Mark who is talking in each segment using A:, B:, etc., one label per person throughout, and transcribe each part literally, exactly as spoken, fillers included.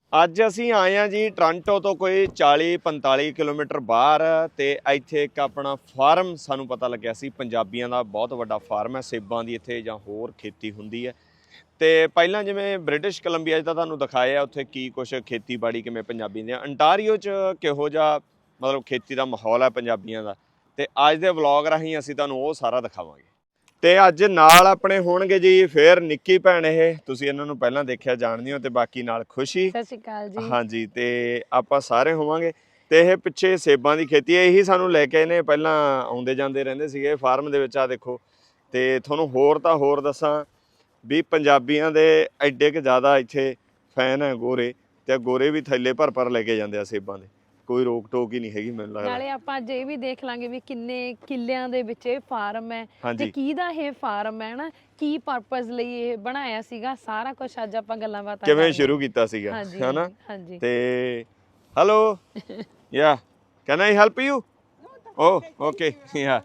A: ਅੱਜ ਅਸੀਂ ਆਏ ਹਾਂ ਜੀ ਟੋਰਾਂਟੋ ਤੋਂ ਕੋਈ ਚਾਲੀ ਪੰਤਾਲੀ ਕਿਲੋਮੀਟਰ ਬਾਹਰ ਤੇ ਇੱਥੇ ਇੱਕ ਆਪਣਾ ਫਾਰਮ ਸਾਨੂੰ ਪਤਾ ਲੱਗਿਆ ਸੀ। ਪੰਜਾਬੀਆਂ ਦਾ ਬਹੁਤ ਵੱਡਾ ਫਾਰਮ ਹੈ ਸੇਬਾਂ ਦੀ ਇੱਥੇ ਜਾਂ ਹੋਰ ਖੇਤੀ ਹੁੰਦੀ ਹੈ। ਤੇ ਪਹਿਲਾਂ ਜਿਵੇਂ ਬ੍ਰਿਟਿਸ਼ ਕੋਲੰਬੀਆ 'ਚ ਤਾਂ ਤੁਹਾਨੂੰ ਦਿਖਾਇਆ ਉੱਥੇ ਕੀ ਕੁਛ ਖੇਤੀਬਾੜੀ ਕਿਵੇਂ ਪੰਜਾਬੀ ਦੇ ਅੰਟਾਰੀਓ 'ਚ ਕਿਹੋ ਜਿਹਾ ਮਤਲਬ ਖੇਤੀ ਦਾ ਮਾਹੌਲ ਹੈ ਪੰਜਾਬੀਆਂ ਦਾ। ਤੇ ਅੱਜ ਦੇ ਵਲੌਗ ਰਾਹੀਂ ਅਸੀਂ ਤੁਹਾਨੂੰ ਉਹ ਸਾਰਾ ਦਿਖਾਵਾਂਗੇ। ਤੇ ਅੱਜ ਨਾਲ ਆਪਣੇ ਹੋਣਗੇ ਜੀ ਫਿਰ ਨਿੱਕੀ ਭੈਣ, ਇਹ ਤੁਸੀਂ ਇਹਨਾਂ ਨੂੰ ਪਹਿਲਾਂ ਦੇਖਿਆ ਜਾਣਦੇ ਹੋ, ਤੇ ਬਾਕੀ ਨਾਲ ਖੁਸ਼ੀ।
B: ਸਤਿ ਸ਼੍ਰੀ ਅਕਾਲ ਜੀ।
A: ਹਾਂਜੀ, ਤੇ ਆਪਾਂ ਸਾਰੇ ਹੋਵਾਂਗੇ। ਤੇ ਇਹ ਪਿੱਛੇ ਸੇਬਾਂ ਦੀ ਖੇਤੀ ਹੈ, ਇਹੀ ਸਾਨੂੰ ਲੈ ਕੇ ਇਹਨੇ ਪਹਿਲਾਂ ਆਉਂਦੇ ਜਾਂਦੇ ਰਹਿੰਦੇ ਸੀਗੇ ਫਾਰਮ ਦੇ ਵਿੱਚ। ਆ ਦੇਖੋ, ਤੇ ਤੁਹਾਨੂੰ ਹੋਰ ਤਾਂ ਹੋਰ ਦੱਸਾਂ ਵੀ ਪੰਜਾਬੀਆਂ ਦੇ ਐਡੇ ਕੁ ਜ਼ਿਆਦਾ ਇੱਥੇ ਫੈਨ ਹੈ ਗੋਰੇ, ਤੇ ਗੋਰੇ ਵੀ ਥੈਲੇ ਭਰ ਭਰ ਲੈ ਕੇ ਜਾਂਦੇ ਆ ਸੇਬਾਂ ਦੇ। ਕੋਈ ਰੋਕ ਟੋਕ ਹੀ ਨਹੀਂ ਹੈਗੀ ਮੈਨੂੰ ਲੱਗਦਾ।
B: ਨਾਲੇ ਆਪਾਂ ਅੱਜ ਇਹ ਵੀ ਦੇਖ ਲਾਂਗੇ ਵੀ ਕਿੰਨੇ ਕਿੱਲਿਆਂ ਦੇ ਵਿੱਚ ਇਹ ਫਾਰਮ ਹੈ ਤੇ ਕਿਹਦਾ ਇਹ ਫਾਰਮ ਹੈ ਨਾ, ਕੀ ਪਰਪਸ ਲਈ ਇਹ ਬਣਾਇਆ ਸੀਗਾ, ਸਾਰਾ ਕੁਝ ਅੱਜ ਆਪਾਂ ਗੱਲਾਂ ਬਾਤਾਂ
A: ਕਿਵੇਂ ਸ਼ੁਰੂ ਕੀਤਾ ਸੀਗਾ, ਹੈਨਾ।
B: ਹਾਂਜੀ।
A: ਤੇ hello, yeah can I help you? Oh okay, yeah.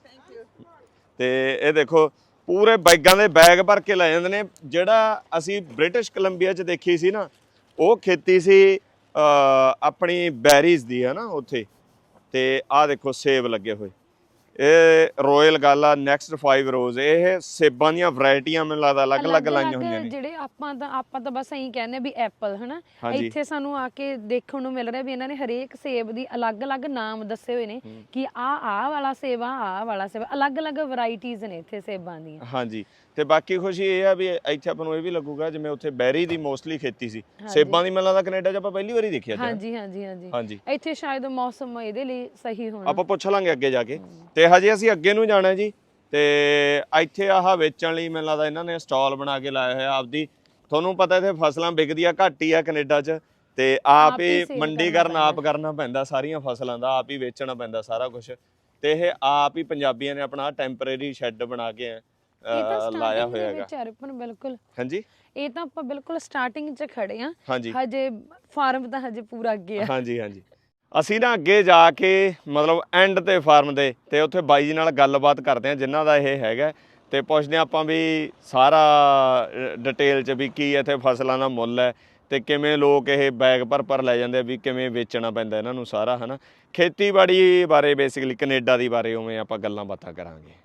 A: ਤੇ ਇਹ ਦੇਖੋ ਪੂਰੇ ਬੈਗਾਂ ਦੇ ਬੈਗ ਭਰ ਕੇ ਲੈ ਜਾਂਦੇ ਨੇ। ਜਿਹੜਾ ਅਸੀਂ ਬ੍ਰਿਟਿਸ਼ ਕੋਲੰਬੀਆ 'ਚ ਦੇਖੀ ਸੀ ਨਾ, ਉਹ ਖੇਤੀ ਸੀ ਆਪਣੀ ਬੈਰੀਜ਼ ਦੀ, ਹੈ ਨਾ ਉੱਥੇ। ਤੇ ਆਹ ਦੇਖੋ ਸੇਬ ਲੱਗੇ ਹੋਏ, ਇਹ ਰੋਇਲ ਗਾਲਾ ਨੈਕਸਟ ਫਾਈਵ ਰੋਜ਼, ਇਹ ਸੇਬਾਂ ਦੀਆਂ ਵੈਰਾਈਟੀਆਂ ਮੈਨੂੰ ਲੱਗਦਾ ਅਲੱਗ ਅਲੱਗ ਲਾਈਆਂ ਹੋਈਆਂ ਨੇ।
B: ਜਿਹੜੇ ਆਪਾਂ ਤਾਂ ਆਪਾਂ ਤਾਂ ਬਸ ਇਹੀ ਕਹਿੰਦੇ ਵੀ ਐਪਲ, ਹਨਾ। ਇੱਥੇ ਸਾਨੂੰ ਆ ਕੇ ਦੇਖਣ ਨੂੰ ਮਿਲ ਰਿਹਾ ਵੀ ਇਹਨਾਂ ਨੇ ਹਰੇਕ ਸੇਬ ਦੀ ਅਲੱਗ ਅਲੱਗ ਨਾਮ ਦੱਸੇ ਹੋਏ ਨੇ ਕਿ ਆਹ ਆਹ ਵਾਲਾ ਸੇਬ ਆ, ਆਹ ਵਾਲਾ ਸੇਬ, ਅਲੱਗ ਅਲੱਗ ਵੈਰਾਈਟੀਜ਼ ਨੇ ਇੱਥੇ ਸੇਬਾਂ ਦੀਆਂ। ਹਾਂਜੀ।
A: ਤੇ ਬਾਕੀ ਖੁਸ਼ੀ ਇਹ ਆ ਵੀ ਇੱਥੇ ਆਪਾਂ ਨੂੰ ਇਹ ਵੀ ਲੱਗੂਗਾ ਜਿਵੇਂ ਉੱਥੇ ਬੈਰੀ ਦੀ ਮੋਸਟਲੀ ਖੇਤੀ ਸੀ, ਸੇਬਾਂ ਦੀ ਮੈਨੂੰ ਲੱਗਦਾ ਕੈਨੇਡਾ 'ਚ ਆਪਾਂ ਪਹਿਲੀ ਵਾਰੀ ਦੇਖਿਆ।
B: ਹਾਂਜੀ ਹਾਂਜੀ ਹਾਂਜੀ ਹਾਂਜੀ। ਇੱਥੇ ਸ਼ਾਇਦ ਮੌਸਮ ਇਹਦੇ ਲਈ ਸਹੀ ਹੋਣਾ,
A: ਆਪਾਂ ਪੁੱਛ ਲਾਂਗੇ ਅੱਗੇ ਜਾ ਕੇ। ਤੇ ਹਜੇ ਅਸੀਂ ਅੱਗੇ ਨੂੰ ਜਾਣਾ ਜੀ। ਤੇ ਇੱਥੇ ਆਹ ਵੇਚਣ ਲਈ ਮੈਨੂੰ ਲੱਗਦਾ ਇਹਨਾਂ ਨੇ ਸਟਾਲ ਬਣਾ ਕੇ ਲਾਇਆ ਹੋਇਆ ਆਪਦੀ। ਤੁਹਾਨੂੰ ਪਤਾ ਇੱਥੇ ਫਸਲਾਂ ਵਿਕਦੀਆਂ ਘੱਟ ਹੀ ਆ ਕੈਨੇਡਾ 'ਚ, ਤੇ ਆਪ ਹੀ ਮੰਡੀਕਰਨ ਆਪ ਕਰਨਾ ਪੈਂਦਾ ਸਾਰੀਆਂ ਫਸਲਾਂ ਦਾ, ਆਪ ਹੀ ਵੇਚਣਾ ਪੈਂਦਾ ਸਾਰਾ ਕੁਝ। ਤੇ ਇਹ ਆਪ ਹੀ ਪੰਜਾਬੀਆਂ ਨੇ ਆਪਣਾ ਟੈਂਪਰੇਰੀ ਸ਼ੈੱਡ ਬਣਾ ਕੇ ਲਾਇਆ ਹੋਇਆ ਹੈਗਾ।
B: ਬਿਲਕੁਲ।
A: ਹਾਂਜੀ,
B: ਇਹ ਤਾਂ ਆਪਾਂ ਬਿਲਕੁਲ ਸਟਾਰਟਿੰਗ 'ਚ ਖੜੇ ਆ,
A: ਹਾਂਜੀ।
B: ਹਜੇ ਫਾਰਮ ਤਾਂ ਹਜੇ ਪੂਰਾ ਅੱਗੇ ਆ।
A: ਹਾਂਜੀ ਹਾਂਜੀ। ਅਸੀਂ ਨਾ ਅੱਗੇ ਜਾ ਕੇ ਮਤਲਬ ਐਂਡ ਤੇ ਫਾਰਮ ਦੇ ਤੇ ਉੱਥੇ ਬਾਈ ਜੀ ਨਾਲ ਗੱਲਬਾਤ ਕਰਦੇ ਆ ਜਿਨ੍ਹਾਂ ਦਾ ਇਹ ਹੈਗਾ, ਤੇ ਪੁੱਛਦੇ ਆਪਾਂ ਵੀ ਸਾਰਾ ਡਿਟੇਲ 'ਚ ਵੀ ਕੀ ਇੱਥੇ ਫਸਲਾਂ ਦਾ ਮੁੱਲ ਹੈ, ਤੇ ਕਿਵੇਂ ਲੋਕ ਇਹ ਬੈਗ ਭਰ ਭਰ ਲੈ ਜਾਂਦੇ ਆ, ਵੀ ਕਿਵੇਂ ਵੇਚਣਾ ਪੈਂਦਾ ਇਹਨਾਂ ਨੂੰ ਸਾਰਾ, ਹੈ ਨਾ। ਖੇਤੀਬਾੜੀ ਬਾਰੇ ਬੇਸਿਕਲੀ ਕੈਨੇਡਾ ਦੀ ਬਾਰੇ ਉਵੇਂ ਆਪਾਂ ਗੱਲਾਂ ਬਾਤਾਂ ਕਰਾਂਗੇ।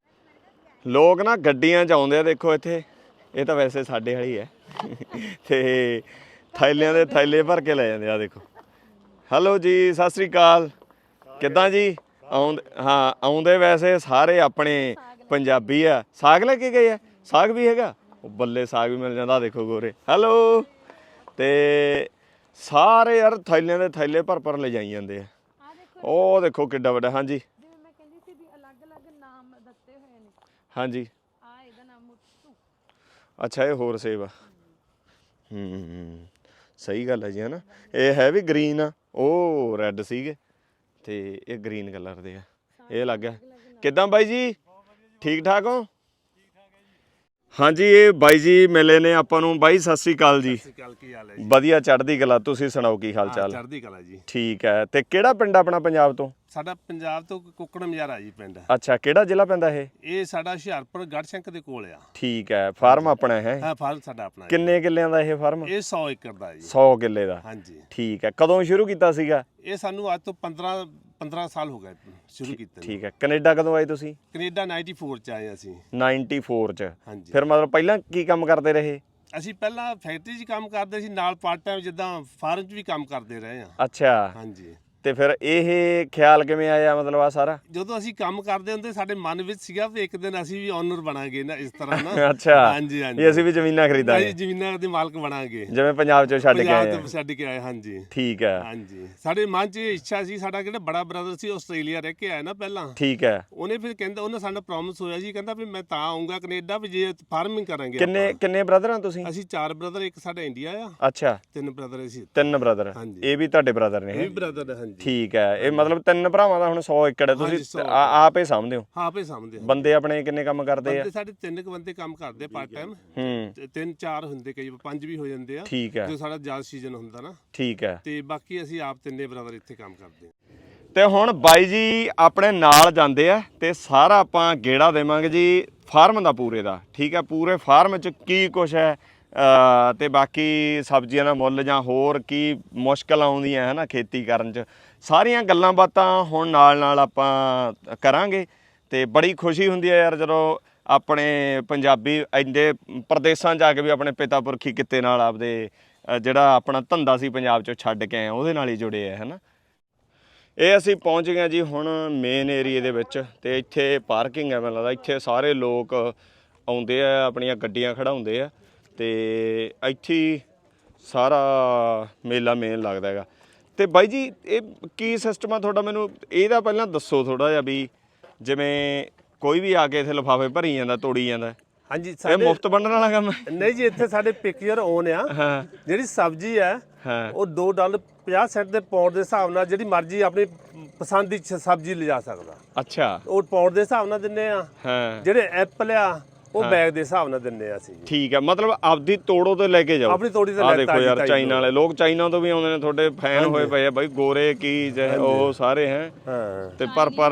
A: ਲੋਕ ਨਾ ਗੱਡੀਆਂ 'ਚ ਆਉਂਦੇ ਆ, ਦੇਖੋ ਇੱਥੇ। ਇਹ ਤਾਂ ਵੈਸੇ ਸਾਡੇ ਵਾਲੀ ਹੈ ਤੇ ਥੈਲਿਆਂ ਦੇ ਥੈਲੇ ਭਰ ਕੇ ਲੈ ਜਾਂਦੇ ਆ, ਦੇਖੋ। ਹੈਲੋ ਜੀ, ਸਤਿ ਸ਼੍ਰੀ ਅਕਾਲ, ਕਿੱਦਾਂ ਜੀ? ਆਉਂਦੇ ਹਾਂ, ਆਉਂਦੇ ਵੈਸੇ ਸਾਰੇ ਆਪਣੇ ਪੰਜਾਬੀ ਆ। ਸਾਗ ਲੈ ਕੇ ਗਏ ਆ? ਸਾਗ ਵੀ ਹੈਗਾ? ਉਹ ਬੱਲੇ, ਸਾਗ ਵੀ ਮਿਲ ਜਾਂਦਾ, ਦੇਖੋ ਗੋਰੇ। ਹੈਲੋ। ਤੇ ਸਾਰੇ ਯਾਰ ਥੈਲਿਆਂ ਦੇ ਥੈਲੇ ਭਰ ਭਰ ਲੈ ਜਾਈ ਜਾਂਦੇ ਆ। ਉਹ ਦੇਖੋ ਕਿੱਡਾ ਵੱਡਾ। ਹਾਂਜੀ ਹਾਂਜੀ। ਅੱਛਾ, ਇਹ ਹੋਰ ਸੇਬ ਆ। ਹੂੰ, ਸਹੀ ਗੱਲ ਹੈ ਜੀ, ਹੈ ਨਾ। ਇਹ ਹੈ ਵੀ ਗ੍ਰੀਨ ਆ, ਉਹ ਰੈੱਡ ਸੀਗੇ, ਤੇ ਇਹ ਗ੍ਰੀਨ ਕਲਰ ਦੇ ਆ। ਇਹ ਲੱਗ ਗਿਆ। ਕਿੱਦਾਂ ਬਾਈ ਜੀ, ਠੀਕ ਠਾਕ ਹੋ? ਹਾਂਜੀ, ਇਹ ਬਾਈ ਜੀ ਮਿਲੇ ਨੇ ਆਪਾਂ ਨੂੰ। ਬਾਈ ਸਤਿ ਸ੍ਰੀ ਅਕਾਲ ਜੀ।
C: ਸਤਿ ਸ੍ਰੀ ਅਕਾਲ, ਕੀ ਹਾਲ ਹੈ ਜੀ?
A: ਵਧੀਆ, ਚੜ੍ਹਦੀ ਕਲਾ। ਤੁਸੀਂ ਸੁਣਾਓ ਕੀ ਹਾਲ ਚਾਲ?
C: ਚੜ੍ਹਦੀ ਕਲਾ ਜੀ।
A: ਠੀਕ ਹੈ। ਤੇ ਕਿਹੜਾ ਪਿੰਡ ਆਪਣਾ ਪੰਜਾਬ ਤੋਂ?
C: ਸਾਡਾ ਪੰਜਾਬ ਤੋਂ ਕੁੱਕੜ ਮਜਾਰਾ ਜੀ ਪਿੰਡ।
A: ਅੱਛਾ, ਕਿਹੜਾ ਜ਼ਿਲ੍ਹਾ ਪੈਂਦਾ ਇਹ?
C: ਇਹ ਸਾਡਾ ਹੁਸ਼ਿਆਰਪੁਰ ਗੜਸ਼ੰਕ ਦੇ ਕੋਲ ਆ।
A: ਠੀਕ ਹੈ। ਫਾਰਮ ਆਪਣਾ ਹੈ?
C: ਹਾਂ, ਫਾਰਮ ਸਾਡਾ ਆਪਣਾ।
A: ਕਿੰਨੇ ਕਿੱਲਿਆਂ ਦਾ ਇਹ ਫਾਰਮ?
C: ਇਹ ਸੌ ਏਕੜ ਦਾ ਜੀ।
A: ਸੌ ਕਿੱਲੇ ਦਾ?
C: ਹਾਂਜੀ।
A: ਠੀਕ ਹੈ। ਕਦੋਂ ਸ਼ੁਰੂ ਕੀਤਾ ਸੀਗਾ?
C: ਇਹ ਸਾਨੂੰ ਅੱਜ ਤੋਂ ਪੰਦਰਾਂ ਪੰਦਰਾਂ ਸਾਲ ਹੋ ਗਏ ਸ਼ੁਰੂ ਕੀਤੇ।
A: ਠੀਕ ਹੈ। ਕੈਨੇਡਾ ਕਦੋਂ ਆਏ ਤੁਸੀਂ?
C: ਕੈਨੇਡਾ ਨਾਈਨਟੀ ਫੋਰ 'ਚ ਆਏ ਅਸੀਂ।
A: ਨਾਈਨਟੀ ਫੋਰ 'ਚ?
C: ਹਾਂਜੀ।
A: ਫਿਰ ਮਤਲਬ ਪਹਿਲਾਂ ਕੀ ਕੰਮ ਕਰਦੇ ਰਹੇ?
C: ਅਸੀਂ ਪਹਿਲਾਂ ਫੈਕਟਰੀ 'ਚ ਕੰਮ ਕਰਦੇ ਸੀ, ਨਾਲ ਪਾਰਟ ਟਾਈਮ ਜਿੱਦਾਂ ਫਾਰਮ 'ਚ ਵੀ ਕੰਮ ਕਰਦੇ ਰਹੇ ਆ।
A: ਅੱਛਾ।
C: ਹਾਂਜੀ।
A: ਤੇ ਫਿਰ ਇਹ ਖਿਆਲ ਕਿਵੇਂ ਆਇਆ ਮਤਲਬ ਆ ਸਾਰਾ?
C: ਜਦੋਂ ਅਸੀਂ ਕੰਮ ਕਰਦੇ ਹੁੰਦੇ ਸਾਡੇ ਮਨ ਵਿੱਚ ਸੀਗਾ ਵੀ ਇੱਕ ਦਿਨ ਅਸੀਂ ਵੀ ਓਨਰ ਬਣਾਂਗੇ ਨਾ, ਇਸ ਤਰ੍ਹਾਂ ਨਾ।
A: ਅੱਛਾ।
C: ਹਾਂਜੀ ਹਾਂਜੀ।
A: ਅਸੀਂ ਵੀ ਜ਼ਮੀਨਾਂ ਖਰੀਦਾਂਗੇ,
C: ਅਸੀਂ ਜ਼ਮੀਨਾਂ ਦੇ ਮਾਲਕ ਬਣਾਂਗੇ,
A: ਜਿਵੇਂ ਪੰਜਾਬ ਚੋਂ ਛੱਡ ਕੇ ਆਏ।
C: ਪੰਜਾਬ ਤੋਂ ਛੱਡ ਕੇ ਆਏ। ਹਾਂਜੀ।
A: ਠੀਕ ਹੈ।
C: ਹਾਂਜੀ। ਸਾਡੇ ਮਨ 'ਚ ਇਹ ਇੱਛਾ ਸੀ, ਸਾਡਾ ਕਿਹੜਾ ਬੜਾ ਬ੍ਰਦਰ ਸੀ ਆਸਟ੍ਰੇਲੀਆ ਰਹਿ ਕੇ ਆਇਆ ਨਾ ਪਹਿਲਾਂ।
A: ਠੀਕ ਹੈ।
C: ਉਹਨੇ ਫਿਰ ਕਹਿੰਦਾ, ਉਹਨੇ ਸਾਡਾ ਪ੍ਰੋਮਿਸ ਹੋਇਆ ਸੀ, ਕਹਿੰਦਾ ਵੀ ਮੈਂ ਤਾਂ ਆਉਂਗਾ ਕੈਨੇਡਾ ਵੀ ਜੇ ਫਾਰਮਿੰਗ ਕਰਾਂਗੇ।
A: ਕਿੰਨੇ ਕਿੰਨੇ ਬ੍ਰਦਰ ਆ ਤੁਸੀਂ?
C: ਅਸੀਂ ਚਾਰ ਬ੍ਰਦਰ, ਇੱਕ ਸਾਡਾ ਇੰਡੀਆ ਆ।
A: ਅੱਛਾ।
C: ਤਿੰਨ ਬ੍ਰਦਰ ਅਸੀਂ।
A: ਤਿੰਨ ਬ੍ਰਦਰ? ਇਹ ਵੀ ਤੁਹਾਡੇ ਬ੍ਰਦਰ ਨੇ?
C: ਇਹ ਵੀ ਬ੍ਰਦਰ। ਹਾਂਜੀ।
A: ਠੀਕ ਹੈ। ਇਹ ਮਤਲਬ ਤਿੰਨ ਭਰਾਵਾਂ ਦਾ ਹੁਣ ਸੌ ਏਕੜ ਹੈ, ਤੁਸੀਂ ਆਪ ਹੀ ਸਾਂਭਦੇ ਹੋ?
C: ਹਾਂ, ਆਪੇ ਸਾਂਭਦੇ।
A: ਬੰਦੇ ਆਪਣੇ ਕਿੰਨੇ ਕੰਮ ਕਰਦੇ ਆ?
C: ਸਾਡੇ ਤਿੰਨ ਕੁ ਬੰਦੇ ਕੰਮ ਕਰਦੇ ਪਾਰਟ ਟਾਈਮ।
A: ਹੂੰ।
C: ਤਿੰਨ ਚਾਰ ਹੁੰਦੇ, ਕਈ ਪੰਜ ਵੀ ਹੋ ਜਾਂਦੇ ਆ।
A: ਠੀਕ ਹੈ।
C: ਜੋ ਸਾਡਾ ਜਾਜ਼ ਸੀਜ਼ਨ ਹੁੰਦਾ ਨਾ।
A: ਠੀਕ ਹੈ।
C: ਤੇ ਬਾਕੀ ਅਸੀਂ ਆਪ ਤਿੰਨੇ ਬ੍ਰਦਰ ਇੱਥੇ ਕੰਮ ਕਰਦੇ ਆ।
A: ਤੇ ਹੁਣ ਬਾਈ ਜੀ ਆਪਣੇ ਨਾਲ ਜਾਂਦੇ ਆ, ਤੇ ਸਾਰਾ ਆਪਾਂ ਗੇੜਾ ਦੇਵਾਂਗੇ ਜੀ ਫਾਰਮ ਦਾ ਪੂਰੇ ਦਾ। ਠੀਕ ਹੈ। ਪੂਰੇ ਫਾਰਮ 'ਚ ਕੀ ਕੁਛ ਹੈ, ਅ, ਤੇ ਬਾਕੀ ਸਬਜ਼ੀਆਂ ਦਾ ਮੁੱਲ ਜਾਂ ਹੋਰ ਕੀ ਮੁਸ਼ਕਲ ਆਉਂਦੀਆਂ ਹੈ ਨਾ ਖੇਤੀ ਕਰਨ 'ਚ, ਸਾਰੀਆਂ ਗੱਲਾਂ ਬਾਤਾਂ ਹੁਣ ਨਾਲ ਨਾਲ ਆਪਾਂ ਕਰਾਂਗੇ। ਤੇ ਬੜੀ ਖੁਸ਼ੀ ਹੁੰਦੀ ਹੈ ਯਾਰ ਜਦੋਂ ਆਪਣੇ ਪੰਜਾਬੀ ਇੰਨੇ ਪ੍ਰਦੇਸ਼ਾਂ 'ਚ ਜਾ ਕੇ ਵੀ ਆਪਣੇ ਪਿਤਾ ਪੁਰਖੀ ਕਿੱਤੇ ਨਾਲ ਆਪਦੇ ਅ, ਜਿਹੜਾ ਆਪਣਾ ਧੰਦਾ ਸੀ ਪੰਜਾਬ 'ਚੋਂ ਛੱਡ ਕੇ ਆਏ ਉਹਦੇ ਨਾਲ ਹੀ ਜੁੜੇ ਆ ਹੈ ਨਾ। ਇਹ ਅਸੀਂ ਪਹੁੰਚ ਗਏ ਜੀ ਹੁਣ ਮੇਨ ਏਰੀਏ ਦੇ ਵਿੱਚ, ਤੇ ਇੱਥੇ ਪਾਰਕਿੰਗ ਹੈ, ਮੈਨੂੰ ਲੱਗਦਾ ਇੱਥੇ ਸਾਰੇ ਲੋਕ ਆਉਂਦੇ ਆ, ਆਪਣੀਆਂ ਗੱਡੀਆਂ ਖੜਾਉਂਦੇ ਆ, ਤੇ ਇੱਥੇ ਹੀ ਸਾਰਾ ਮੇਲਾ ਮੇਨ ਲੱਗਦਾ ਹੈਗਾ। ਤੇ ਬਾਈ ਜੀ ਇਹ ਕੀ ਸਿਸਟਮ ਆ ਤੁਹਾਡਾ, ਮੈਨੂੰ ਇਹਦਾ ਪਹਿਲਾਂ ਦੱਸੋ ਥੋੜਾ ਜਿਹਾ, ਵੀ ਜਿਵੇਂ ਕੋਈ ਵੀ ਆ ਕੇ ਇੱਥੇ ਲਿਫਾਫੇ ਭਰੀ ਜਾਂਦਾ, ਤੋੜੀ ਜਾਂਦਾ,
C: ਹਾਂਜੀ
A: ਇਹ ਮੁਫਤ ਵੰਡਣ ਵਾਲਾ ਕੰਮ ਹੈ?
C: ਨਹੀਂ ਜੀ, ਇੱਥੇ ਸਾਡੇ ਪਿਕਚਰ ਓਨ ਆ।
A: ਹਾਂ,
C: ਜਿਹੜੀ ਸਬਜ਼ੀ ਹੈ
A: ਹਾਂ,
C: ਉਹ ਦੋ ਡਾਲਰ ਪੰਜਾਹ ਸੈਂਟ ਦੇ ਪਾਉਂਡ ਦੇ ਹਿਸਾਬ ਨਾਲ ਜਿਹੜੀ ਮਰਜ਼ੀ ਆਪਣੀ ਪਸੰਦ ਦੀ ਸ- ਸਬਜ਼ੀ ਲਿਜਾ ਸਕਦਾ।
A: ਅੱਛਾ,
C: ਉਹ ਪਾਉਂਡ ਦੇ ਹਿਸਾਬ ਨਾਲ ਦਿੰਨੇ ਆ।
A: ਹਾਂ,
C: ਜਿਹੜੇ ਐਪਲ ਆ ਉਹ ਬੈਗ ਦੇ ਹਿਸਾਬ ਨਾਲ ਦਿੰਨੇ ਆ ਅਸੀਂ ਜੀ।
A: ਠੀਕ ਹੈ, ਮਤਲਬ ਆਪਦੀ ਤੋੜੋ ਤੇ ਲੈ ਕੇ ਜਾਓ।
C: ਆਪਣੀ ਤੋੜੀ ਤੇ
A: ਆ
C: ਲੈ
A: ਦੇਖੋ ਯਾਰ, ਚਾਈਨਾ ਵਾਲੇ ਲੋਕ ਚਾਈਨਾ ਤੋਂ ਵੀ ਆਉਂਦੇ ਨੇ, ਤੁਹਾਡੇ ਫੈਨ ਹੋਏ ਪਏ ਆ ਬਾਈ, ਗੋਰੇ ਕੀ ਚਾਹੇ ਉਹ ਸਾਰੇ ਹੈ,
C: ਹਾਂ,
A: ਤੇ ਪਰ ਪਰ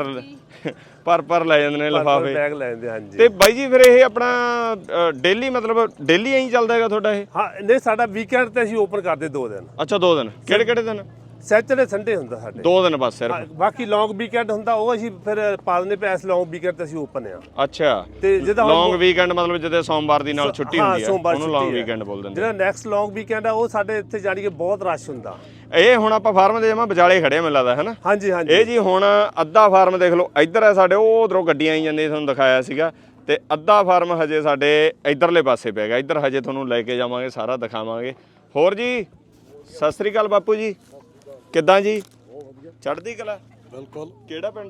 A: ਪਰ ਪਰ ਲੈ ਜਾਂਦੇ ਨੇ ਲਿਫਾਫੇ।
C: ਬੈਗ ਲੈ ਜਾਂਦੇ, ਹਾਂਜੀ।
A: ਤੇ ਬਾਈ ਜੀ ਫਿਰ ਇਹ ਆਪਣਾ ਡੇਲੀ ਮਤਲਬ ਡੇਲੀ ਐਂ ਚੱਲਦਾ ਹੈਗਾ ਤੁਹਾਡਾ ਇਹ?
C: ਹਾਂ, ਨਹੀਂ ਸਾਡਾ ਵੀਕਐਂਡ ਤੇ ਅਸੀਂ ਓਪਨ ਕਰਦੇ ਦੋ ਦਿਨ,
A: ਅੱਛਾ, ਦੋ ਦਿਨ ਕਿਹੜੇ ਕਿਹੜੇ ਦਿਨ?
C: ਸੈਟਰਡੇ ਸੰਡੇ ਹੁੰਦਾ ਸਾਡੇ।
A: ਦੋ ਦਿਨ ਬਸ ਸਿਰਫ?
C: ਹਾਂ, ਬਾਕੀ ਲੌਂਗ ਵੀਕਐਂਡ ਹੁੰਦਾ ਉਹ ਅਸੀਂ ਫਿਰ ਪਾਲਨੇ ਪੈ, ਇਸ ਲੌਂਗ ਵੀਕਐਂਡ ਤੇ ਅਸੀਂ ਓਪਨ ਆ।
A: ਅੱਛਾ,
C: ਤੇ ਜਿਹਦਾ ਹੁਣ-
A: ਲੌਂਗ ਵੀਕਐਂਡ ਮਤਲਬ ਜਿਹਦੇ ਸੋਮਵਾਰ ਦੀ ਨਾਲ ਛੁੱਟੀ
C: ਹਾਂ,
A: ਹੁੰਦੀ ਹੈ
C: ਸੋਮਵਾਰ
A: ਉਹਨੂੰ
C: ਛੁੱਟੀ
A: ਲੌਂਗ
C: ਹੈ।
A: ਵੀਕਐਂਡ ਬੋਲ ਦਿੰਦੇ।
C: ਜਿਹੜਾ ਨੈਕਸਟ ਲੌਂਗ ਵੀਕਐਂਡ ਆ ਉਹ ਸਾਡੇ ਇੱਥੇ ਜਾਣੀ ਕਿ ਬਹੁਤ ਰਸ਼ ਹੁੰਦਾ।
A: ਇਹ ਹੁਣ ਆਪਾਂ ਫਾਰਮ ਦੇ ਜਮਾ ਵਿਚਾਲੇ ਖੜੇ ਆ ਮੈਨੂੰ ਲੱਗਦਾ ਹੈ ਨਾ?
C: ਹਾਂਜੀ ਹਾਂਜੀ।
A: ਇਹ ਜੀ ਹੁਣ ਅੱਧਾ ਫਾਰਮ ਦੇਖ ਲਓ, ਇੱਧਰ ਹੈ ਸਾਡੇ, ਉਹ ਉਧਰੋਂ ਗੱਡੀਆਂ ਆਈ ਜਾਂਦੀਆਂ, ਤੁਹਾਨੂੰ ਦਿਖਾਇਆ ਸੀਗਾ, ਤੇ ਅੱਧਾ ਫਾਰਮ ਹਜੇ ਸਾਡੇ ਇੱਧਰਲੇ ਪਾਸੇ ਪੈ ਗਿਆ। ਇੱਧਰ ਹਜੇ ਤੁਹਾਨੂੰ ਲੈ ਕੇ ਜਾਵਾਂਗੇ, ਸਾਰਾ ਦਿਖਾਵਾਂਗੇ। ਹੋਰ ਜੀ ਸਤਿ ਸ੍ਰੀ ਅਕਾਲ ਬਾਪੂ ਜੀ, ਕਿੱਦਾਂ ਜੀ? ਚੜ੍ਹਦੀ ਕਲਾ?
D: ਬਿਲਕੁਲ।
A: ਕਿਹੜਾ ਪਿੰਡ?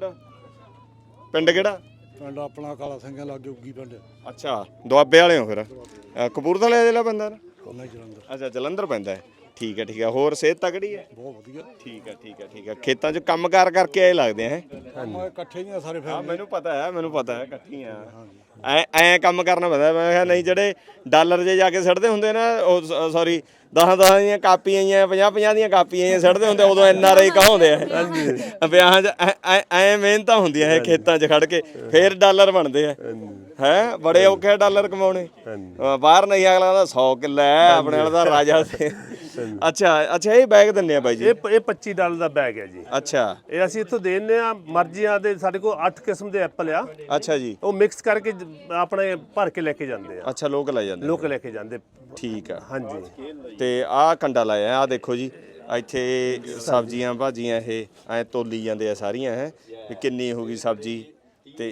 A: ਪਿੰਡ ਕਿਹੜਾ?
D: ਪਿੰਡ ਆਪਣਾ ਕਾਲਾ ਸਿੰਘਾਂ ਲਾਗੇ ਉੱਗੀ ਪਿੰਡ।
A: ਅੱਛਾ, ਦੁਆਬੇ ਵਾਲੇ ਹੋ ਫਿਰ? ਅ, ਕਪੂਰਥਲੇ ਜ਼ਿਲ੍ਹਾ ਪੈਂਦਾ ਨਾ?
D: ਨਹੀਂ ਜਲੰਧਰ।
A: ਅੱਛਾ, ਜਲੰਧਰ ਪੈਂਦਾ ਹੈ। ਠੀਕ ਹੈ ਠੀਕ ਹੈ। ਹੋਰ ਸਿਹਤ ਤਕੜੀ ਹੈ?
D: ਬਹੁਤ ਵਧੀਆ।
A: ਠੀਕ ਹੈ ਠੀਕ ਹੈ ਠੀਕ ਹੈ। ਖੇਤਾਂ 'ਚ ਕੰਮ ਕਾਰ ਕਰਕੇ ਆਏ ਲੱਗਦੇ ਆ ਹੈ?
D: ਕੰਮ ਇਕੱਠੇ ਹੀ ਆ ਸਾਰੇ
A: ਹਾਂ,
D: ਫਿਰ।
A: ਮੈਨੂੰ ਪਤਾ ਹੈ, ਮੈਨੂੰ ਪਤਾ ਹੈ, ਇਕੱਠੀਆਂ ਐ ਐ ਕੰਮ ਕਰਨਾ ਪੈਂਦਾ। ਮੈਂ ਕਿਹਾ ਨਹੀਂ, ਜਿਹੜੇ ਡਾਲਰ ਜੇ ਜਾ ਕੇ ਸੜਦੇ ਹੁੰਦੇ ਨਾ, ਉਹ ਸੌਰੀ ਦਸਾਂ ਦਸਾਂ ਦੀਆਂ ਕਾਪੀਆਂ ਆਈਆਂ, ਪੰਜਾਹ ਪੰਜਾਹ ਦੀਆਂ ਕਾਪੀਆਂ ਆਈਆਂ ਸੜਦੇ ਹੁੰਦੇ, ਉਦੋਂ ਐਨ ਆਰ ਆਈ ਕਹਾਉਂਦੇ ਆ। ਵਿਆਹਾਂ 'ਚ ਐ ਮਿਹਨਤਾਂ ਹੁੰਦੀਆਂ ਹੈ ਖੇਤਾਂ 'ਚ ਖੜ ਕੇ, ਫੇਰ ਡਾਲਰ ਬਣਦੇ ਆ ਹੈ। ਬੜੇ ਔਖੇ ਡਾਲਰ ਕਮਾਉਣੇ। ਬਾਹਰ ਨਹੀਂ, ਅਗਲਾ ਦਾ ਸੌ ਕਿੱਲਾ ਹੈ, ਆਪਣੇ ਵਾਲਾ ਦਾ ਰਾਜਾ ਸੀ। ਅੱਛਾ ਅੱਛਾ, ਇਹ ਬੈਗ ਦਿੰਨੇ ਆ ਬਾਈ ਜੀ?
C: ਇਹ ਇਹ ਪੱਚੀ ਡਾਲਰ ਦਾ ਬੈਗ ਹੈ ਜੀ।
A: ਅੱਛਾ,
C: ਇਹ ਅਸੀਂ ਇੱਥੋਂ ਦੇ ਦਿੰਦੇ ਆ ਮਰਜ਼ੀਆਂ ਦੇ। ਸਾਡੇ ਕੋਲ ਅੱਠ ਕਿਸਮ ਦੇ ਐਪਲ ਆ,
A: ਅੱਛਾ ਜੀ।
C: ਉਹ ਮਿਕਸ ਕਰਕੇ ਜ- ਆਪਣੇ ਭਰ ਕੇ ਲੈ ਕੇ ਜਾਂਦੇ ਆ,
A: ਅੱਛਾ, ਲੋਕ ਲੈ ਜਾਂਦੇ?
C: ਲੋਕ ਲੈ ਕੇ ਜਾਂਦੇ।
A: ਠੀਕ ਆ,
C: ਹਾਂਜੀ।
A: ਤੇ ਆਹ ਕੰਡਾ ਲਾਇਆ, ਆਹ ਦੇਖੋ ਜੀ, ਇੱਥੇ ਸਬਜ਼ੀਆਂ ਭਾਜੀਆਂ ਇਹ ਐ ਤੋਲੀ ਜਾਂਦੇ ਆ ਸਾਰੀਆਂ ਹੈ, ਵੀ ਕਿੰਨੀ ਹੋ ਗਈ ਸਬਜ਼ੀ, ਤੇ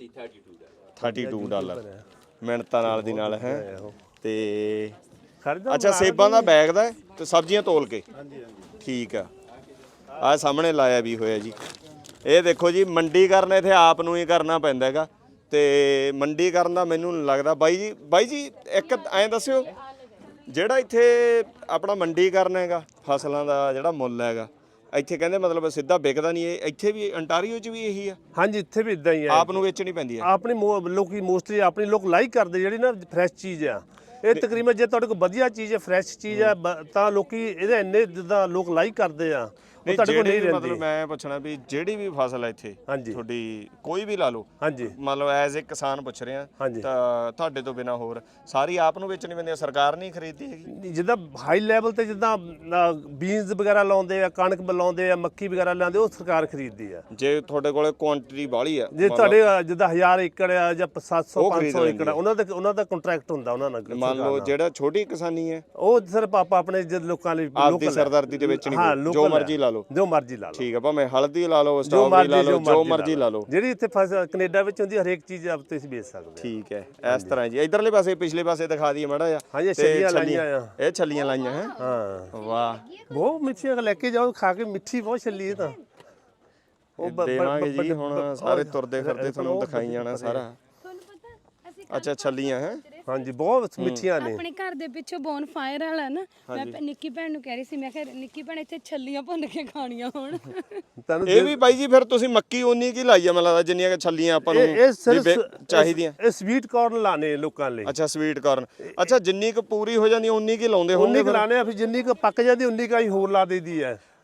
A: ਬੱਤੀ ਡਾਲਰ ਮਿੰਟਾਂ ਨਾਲ ਦੀ ਨਾਲ ਹੈ। ਤੇ
C: ਖਰੀਦੋ।
A: ਅੱਛਾ, ਸੇਬਾਂ ਦਾ ਬੈਗ ਦਾ ਤੇ ਸਬਜ਼ੀਆਂ ਤੋਲ ਕੇ? ਠੀਕ ਆ। ਆਹ ਸਾਹਮਣੇ ਲਾਇਆ ਵੀ ਹੋਇਆ ਜੀ। ਇਹ ਦੇਖੋ ਜੀ, ਮੰਡੀ ਕਰਨ ਇੱਥੇ ਆਪ ਨੂੰ ਹੀ ਕਰਨਾ ਪੈਂਦਾ ਹੈਗਾ, ਤੇ ਮੰਡੀ ਕਰਨ ਦਾ ਮੈਨੂੰ ਨਹੀਂ ਲੱਗਦਾ। ਬਾਈ ਜੀ ਬਾਈ ਜੀ ਇੱਕ ਐਂ ਦੱਸਿਓ, ਜਿਹੜਾ ਇੱਥੇ ਆਪਣਾ ਮੰਡੀ ਕਰਨਾ ਹੈਗਾ ਫਸਲਾਂ ਦਾ ਜਿਹੜਾ ਮੁੱਲ ਹੈਗਾ, ਇੱਥੇ ਕਹਿੰਦੇ ਮਤਲਬ ਸਿੱਧਾ ਵਿਕਦਾ ਨਹੀਂ, ਇਹ ਇੱਥੇ ਵੀ ਅੰਟਾਰੀਓ 'ਚ ਵੀ ਇਹੀ ਆ?
C: ਹਾਂਜੀ, ਇੱਥੇ ਵੀ ਇਦਾਂ ਹੀ ਆ।
A: ਆਪ ਨੂੰ ਵੇਚਣੀ ਪੈਂਦੀ ਹੈ?
C: ਆਪਣੀ ਮੋ- ਲੋਕੀ ਮੋਸਟਲੀ ਆਪਣੀ ਲੋਕ ਲਾਈਕ ਕਰਦੇ ਜਿਹੜੀ ਨਾ ਫਰੈਸ਼ ਚੀਜ਼ ਆ। ਇਹ ਤਕਰੀਬਨ ਜੇ ਤੁਹਾਡੇ ਕੋਲ ਵਧੀਆ ਚੀਜ਼ ਹੈ, ਫਰੈਸ਼ ਚੀਜ਼ ਹੈ, ਬ- ਤਾਂ ਲੋਕੀ ਇਹਦੇ ਇੰਨੇ ਜਿੱਦਾਂ ਲੋਕ ਲਾਈਕ ਕਰਦੇ ਆ, ਉਹ
A: ਨਹੀਂ,
C: ਤੁਹਾਡੇ ਕੋਲ ਨਹੀਂ
A: ਜਿਹੜੀ
C: ਰਹਿੰਦੀ।
A: ਮਤਲਬ ਮੈਂ ਪੁੱਛਣਾ ਵੀ ਜਿਹੜੀ ਵੀ ਫਸਲ ਹੈ ਇੱਥੇ
C: ਹਾਂਜੀ।
A: ਤੁਹਾਡੀ ਕੋਈ ਵੀ ਲਾ ਲਓ,
C: ਹਾਂਜੀ
A: ਮਤਲਬ ਐਜ਼ ਇੱਕ ਕਿਸਾਨ ਪੁੱਛ ਰਿਹਾ,
C: ਹਾਂਜੀ।
A: ਤਾਂ ਤੁਹਾਡੇ ਤੋਂ ਬਿਨਾ ਹੋਰ ਸਾਰੀ ਆਪ ਨੂੰ ਵੇਚਣੀ ਪੈਂਦੀ ਹੈ, ਸਰਕਾਰ ਨਹੀਂ ਖਰੀਦਦੀ ਹੈਗੀ?
C: ਨਹੀਂ, ਜਿੱਦਾਂ ਹਾਈ ਲੈਵਲ ਤੇ ਜਿੱਦਾਂ ਬੀਨਸ ਵਗੈਰਾ ਲਾਉਂਦੇ ਆ, ਕਣਕ ਲਾਉਂਦੇ ਆ, ਮੱਕੀ ਵਗੈਰਾ ਲਾਉਂਦੇ, ਉਹ ਸਰਕਾਰ ਖਰੀਦਦੀ ਆ।
A: ਜੇ ਤੁਹਾਡੇ ਕੋਲੇ ਕੁਆਂਟੀਟੀ ਬਾਹਲੀ ਆ,
C: ਜੇ ਤੁਹਾਡੇ ਅ, ਜਿੱਦਾਂ ਹਜ਼ਾਰ ਏਕੜ ਆ ਜਾਂ ਸੱਤ ਸੌ
A: ਉਹ
C: ਪੰਜ
A: ਖਰੀਦ
C: ਸੌ
A: ਲੈਂਦੀ
C: ਏਕੜ ਆ, ਉਹਨਾਂ ਦਾ ਉਹਨਾਂ ਦਾ ਕੰਟਰੈਕਟ ਹੁੰਦਾ ਉਹਨਾਂ ਨਾਲ।
A: ਮੰਨ ਲਓ ਜਿਹੜਾ ਛੋਟੀ ਕਿਸਾਨੀ ਹੈ,
C: ਉਹ ਸਿਰਫ ਆਪਾਂ ਆਪਣੇ ਜਦ ਲੋਕਾਂ ਲਈ
A: ਆਪਦੀ
C: local ਆ।
A: ਸਰਦਾਰਦੀ ਦੇ ਵਿੱਚ
C: ਹਾਂ,
A: ਨਹੀਂ, ਜੋ
C: local
A: ਮਰਜ਼ੀ
C: ਆ।
A: ਲਾ ਲਓ।
C: ਜੋ ਮਰਜ਼ੀ ਲਾ ਲਓ।
A: ਠੀਕ ਆ, ਭਾਵੇਂ ਹਲਦੀ ਲਾ ਲਓ,
C: ਜੋ
A: ਸਟ੍ਰਾਬੇਰੀ ਲਾ
C: ਮਰਜ਼ੀ
A: ਲਓ, ਜੋ ਮਰਜ਼ੀ ਲਾ ਲਓ।
C: ਜਿਹੜੀ ਇੱਥੇ ਫਸਲ ਕੈਨੇਡਾ ਵਿੱਚ ਹੁੰਦੀ, ਹਰੇਕ ਚੀਜ਼ ਆਪ ਤੁਸੀਂ ਵੇਚ ਸਕਦੇ ਆ।
A: ਠੀਕ ਹੈ, ਇਸ ਤਰ੍ਹਾਂ ਜੀ। ਇਧਰਲੇ ਪਾਸੇ ਪਿਛਲੇ ਪਾਸੇ ਦਿਖਾ ਦਈਏ ਮਾੜਾ ਜਿਹਾ।
C: ਹਾਂਜੀ,
A: ਤੇ
C: ਛੱਲੀਆਂ ਲਾਈਆਂ ਆ।
A: ਇਹ ਛੱਲੀਆਂ ਲਾਈਆਂ ਹੈ?
C: ਹਾਂ,
A: ਵਾਹ,
C: ਬਹੁਤ ਮਿੱਠੀਆਂ ਲੈ ਕੇ ਜਾਓ, ਖਾ ਕੇ ਮਿੱਠੀ ਬਹੁਤ ਛੱਲੀ ਇਹ ਤਾਂ।
A: ਇਹ ਦੇਵਾਂਗੇ ਜੀ ਹੁਣ, ਸਾਰੇ ਤੁਰਦੇ ਫਿਰਦੇ ਤੁਹਾਨੂੰ ਦਿਖਾਈ ਜਾਣਾ ਸਾਰਾ। ਅੱਛਾ, ਛੱਲੀਆਂ ਹੈ?
C: ਹਾਂਜੀ, ਬਹੁਤ ਮਿੱਠੀਆਂ ਨੇ।
B: ਆਪਣੇ ਘਰ ਦੇ ਪਿੱਛੇ ਬੋਨ ਫਾਇਰ ਵਾਲਾ ਨਾ, ਮੈਂ ਨਿੱਕੀ ਭੈਣ ਨੂੰ ਕਹਿ ਰਹੀ ਸੀ, ਮੈਂ ਕਿਹਾ ਨਿੱਕੀ ਭੈਣ ਇੱਥੇ ਛੱਲੀਆਂ ਭੁੰਨ ਕੇ ਖਾਣੀਆਂ ਹੁਣ।
C: ਤੁਹਾਨੂੰ
A: ਇਹ ਵੀ ਬਾਈ ਜੀ ਫਿਰ ਤੁਸੀਂ ਮੱਕੀ ਉਨੀ ਕੀ ਲਾਈ ਆ ਮੈਨੂੰ ਲੱਗਦਾ, ਜਿੰਨੀਆਂ ਕਿ ਛੱਲੀਆਂ ਆਪਾਂ ਨੂੰ
C: ਇਹ ਇਹ ਸਿਰਫ
A: ਵੀ ਚਾਹੀਦੀਆਂ?
C: ਇਹ ਸਵੀਟ ਕਾਰਨ ਲਾਣੇ ਲੋਕਾਂ ਲਈ।
A: ਅੱਛਾ, ਸਵੀਟ ਕਾਰਨ। ਅੱਛਾ, ਜਿੰਨੀ ਕੁ ਪੂਰੀ ਹੋ ਜਾਂਦੀ ਉਨੀ ਕੀ ਲਾਉਂਦੇ
C: ਉਨੀ
A: ਹੋਣਗੇ
C: ਕੁ ਲਾਣੇ ਆ, ਫਿਰ ਜਿੰਨੀ ਕੁ ਪੱਕ ਜਾਂਦੀ ਉਨੀ ਕੁ ਅਸੀਂ ਹੋਰ ਲਾ ਦੇਈਦੀ ਹੈ।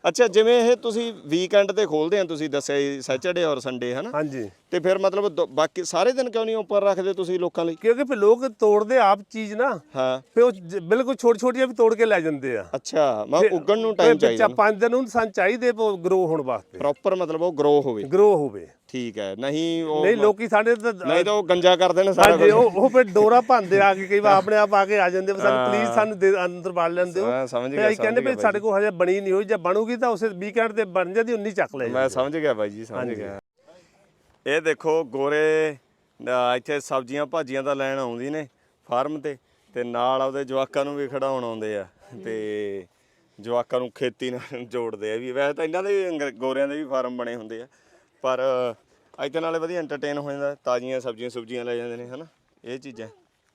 A: ਅੱਛਾ ਜਿਵੇਂ ਇਹ ਤੁਸੀਂ ਵੀਕਐਂਡ ਤੇ ਖੋਲਦੇ ਆ ਤੁਸੀਂ ਦੱਸਿਆ ਸੈਚਰਡੇ ਔਰ ਸੰਡੇ ਹਨਾ
C: ਹਾਂਜੀ
A: ਤੇ ਫਿਰ ਮਤਲਬ ਦ- ਬਾਕੀ ਸਾਰੇ ਦਿਨ ਕਿਉਂ ਨਹੀਂ ਉੱਪਰ ਰੱਖਦੇ ਤੁਸੀਂ ਲੋਕਾਂ ਲਈ?
C: ਕਿਉਂਕਿ ਫਿਰ ਲੋਕ ਤੋੜਦੇ ਆਪ ਚੀਜ਼ ਨਾ,
A: ਹਾਂ
C: ਫਿਰ ਉਹ ਜ- ਬਿਲਕੁਲ ਛੋਟੀ ਛੋਟੀਆਂ ਵੀ ਤੋੜ ਕੇ ਲੈ ਜਾਂਦੇ ਆ।
A: ਅੱਛਾ ਮੈਂ ਉੱਗਣ ਨੂੰ ਟਾਈਮ ਚਾਹੀਦਾ
C: ਪੰਜ ਦਿਨ ਨੂੰ ਸਾਨੂੰ ਚਾਹੀਦੇ ਗਰੋ ਹੋਣ ਵਾਸਤੇ,
A: ਪ੍ਰੋਪਰ ਮਤਲਬ ਉਹ ਗਰੋ ਹੋਵੇ।
C: ਗਰੋ ਹੋਵੇ।
A: ਠੀਕ ਹੈ ਨਹੀਂ ਉਹ
C: ਨਹੀਂ ਲੋਕੀ ਸਾਡੇ ਤਾਂ
A: ਨਹੀਂ ਤਾਂ ਉਹ ਗੰਜਾ ਕਰਦੇ ਨੇ ਸਾਰਾ
C: ਹਾਂਜੀ
A: ਕੁਝ।
C: ਉਹ ਉਹ ਫਿਰ ਡੋਰਾ ਭੰਦੇ ਆ ਕੇ ਕਈ ਵਾਰ ਆਪਣੇ ਆਪ ਆ ਕੇ ਆ ਜਾਂਦੇ ਵੀ ਸਾਨੂੰ ਪਲੀਜ਼ ਸਾਨੂੰ ਦੇ- ਅੰਦਰ ਵੜ ਲੈਂਦੇ ਹੋ।
A: ਮੈਂ ਸਮਝ
C: ਫਿਰ
A: ਗਿਆ
C: ਅਸੀਂ ਕਹਿੰਦੇ
A: ਸਮਝ
C: ਵੀ ਸਾਡੇ ਕੋਲ ਹਜੇ ਬਣੀ ਨਹੀਂ ਹੋਈ, ਜੇ ਬਣੂਗੀ ਤਾਂ ਉਸੇ ਵੀਕਐਂਡ ਤੇ ਬਣ ਜਾਂਦੀ, ਉਨੀ ਚੱਕ ਲੈ
A: ਮੈਂ ਸਮਝ ਗਿਆ ਬਾਈ ਜੀ ਸਮਝ ਗਿਆ। ਇਹ ਦੇਖੋ ਗੋਰੇ ਅਹ ਇੱਥੇ ਸਬਜ਼ੀਆਂ ਭਾਜੀਆਂ ਤਾਂ ਲੈਣ ਆਉਂਦੀ ਨੇ ਫਾਰਮ ਤੇ ਤੇ ਨਾਲ ਆਪਦੇ ਜਵਾਕਾਂ ਨੂੰ ਵੀ ਖਿਡਾਉਣ ਆਉਂਦੇ ਆ ਤੇ ਜਵਾਕਾਂ ਨੂੰ ਖੇਤੀ ਨਾਲ ਜੋੜਦੇ ਆ ਵੀ। ਵੈਸੇ ਤਾਂ ਇਹਨਾਂ ਦੇ ਵੀ ਅੰਗਰ- ਗੋਰਿਆਂ ਦੇ ਵੀ ਫਾਰਮ ਬਣੇ ਹੁੰਦੇ ਆ ਪਰ ਇੱਥੇ ਨਾਲੇ ਵਧੀਆ ਐਂਟਰਟੇਨ ਹੋ ਜਾਂਦਾ, ਤਾਜ਼ੀਆਂ ਸਬਜ਼ੀਆਂ ਸੁਬਜ਼ੀਆਂ ਲੈ ਜਾਂਦੇ ਨੇ ਹਨਾ ਇਹ ਚੀਜ਼ਾਂ।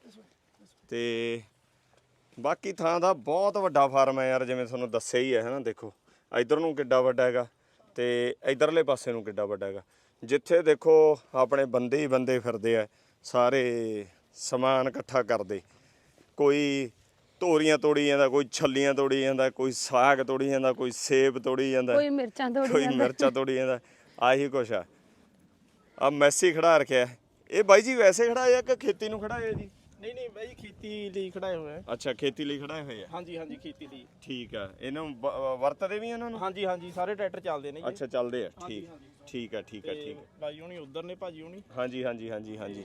A: ਤੇ ਬਾਕੀ ਥਾਂ ਦਾ ਬਹੁਤ ਵੱਡਾ ਫਾਰਮ ਹੈ ਯਾਰ, ਜਿਵੇਂ ਤੁਹਾਨੂੰ ਦੱਸਿਆ ਹੀ ਹੈ ਹਨਾ। ਦੇਖੋ ਇੱਧਰ ਨੂੰ ਕਿੱਡਾ ਵੱਡਾ ਹੈਗਾ ਤੇ ਇੱਧਰਲੇ ਪਾਸੇ ਨੂੰ ਕਿੱਡਾ ਵੱਡਾ ਹੈਗਾ। ਜਿੱਥੇ ਦੇਖੋ ਆਪਣੇ ਬੰਦੇ ਹੀ ਬੰਦੇ ਫਿਰਦੇ ਆ, ਸਾਰੇ ਸਮਾਨ ਇਕੱਠਾ ਕਰਦੇ, ਕੋਈ ਤੋਰੀਆਂ ਤੋੜੀ ਜਾਂਦਾ, ਕੋਈ ਛੱਲੀਆਂ ਤੋੜੀ ਜਾਂਦਾ, ਕੋਈ ਸਾਗ ਤੋੜੀ ਜਾਂਦਾ, ਕੋਈ ਸੇਬ ਤੋੜੀ ਜਾਂਦਾ,
B: ਕੋਈ ਮਿਰਚਾਂ ਤੋੜੀ
A: ਕੋਈ
B: ਜਾਂਦਾ।
A: ਮਿਰਚਾਂ ਤੋੜੀ ਜਾਂਦਾ। ਆਹੀ ਕੁਛ ਆ। ਆ ਮੈਸੀ ਖੜਾ ਰੱਖਿਆ ਇਹ ਬਾਈ ਜੀ, ਵੈਸੇ ਖੜਾਇਆ ਕਿ ਖੇਤੀ ਨੂੰ ਖੜਾਇਆ ਜੀ?
E: ਨਹੀਂ ਨਹੀਂ ਬਾਈ ਖੇਤੀ ਲਈ ਖੜਾਏ ਹੋਏ ਆ।
A: ਅੱਛਾ ਖੇਤੀ ਲਈ ਖੜਾਏ ਹੋਏ ਆ।
E: ਹਾਂਜੀ ਹਾਂਜੀ ਖੇਤੀ ਲਈ।
A: ਠੀਕ ਆ ਇਹਨਾਂ ਨੂੰ ਬ- ਵਰਤਦੇ ਵੀ ਇਹਨਾਂ ਨੂੰ?
E: ਹਾਂਜੀ ਹਾਂਜੀ ਸਾਰੇ ਟਰੈਕਟਰ ਚੱਲਦੇ ਨੇ ਜੀ।
A: ਅੱਛਾ ਚੱਲਦੇ ਆ। ਠੀਕ ਠੀਕ ਆ ਠੀਕ ਆ ਠੀਕ ਆ।
E: ਬਾਈ ਹੁਣੀ ਉਧਰ ਨੇ, ਭਾਜੀ ਹੁਣੀ।
A: ਹਾਂਜੀ ਹਾਂਜੀ ਹਾਂਜੀ ਹਾਂਜੀ।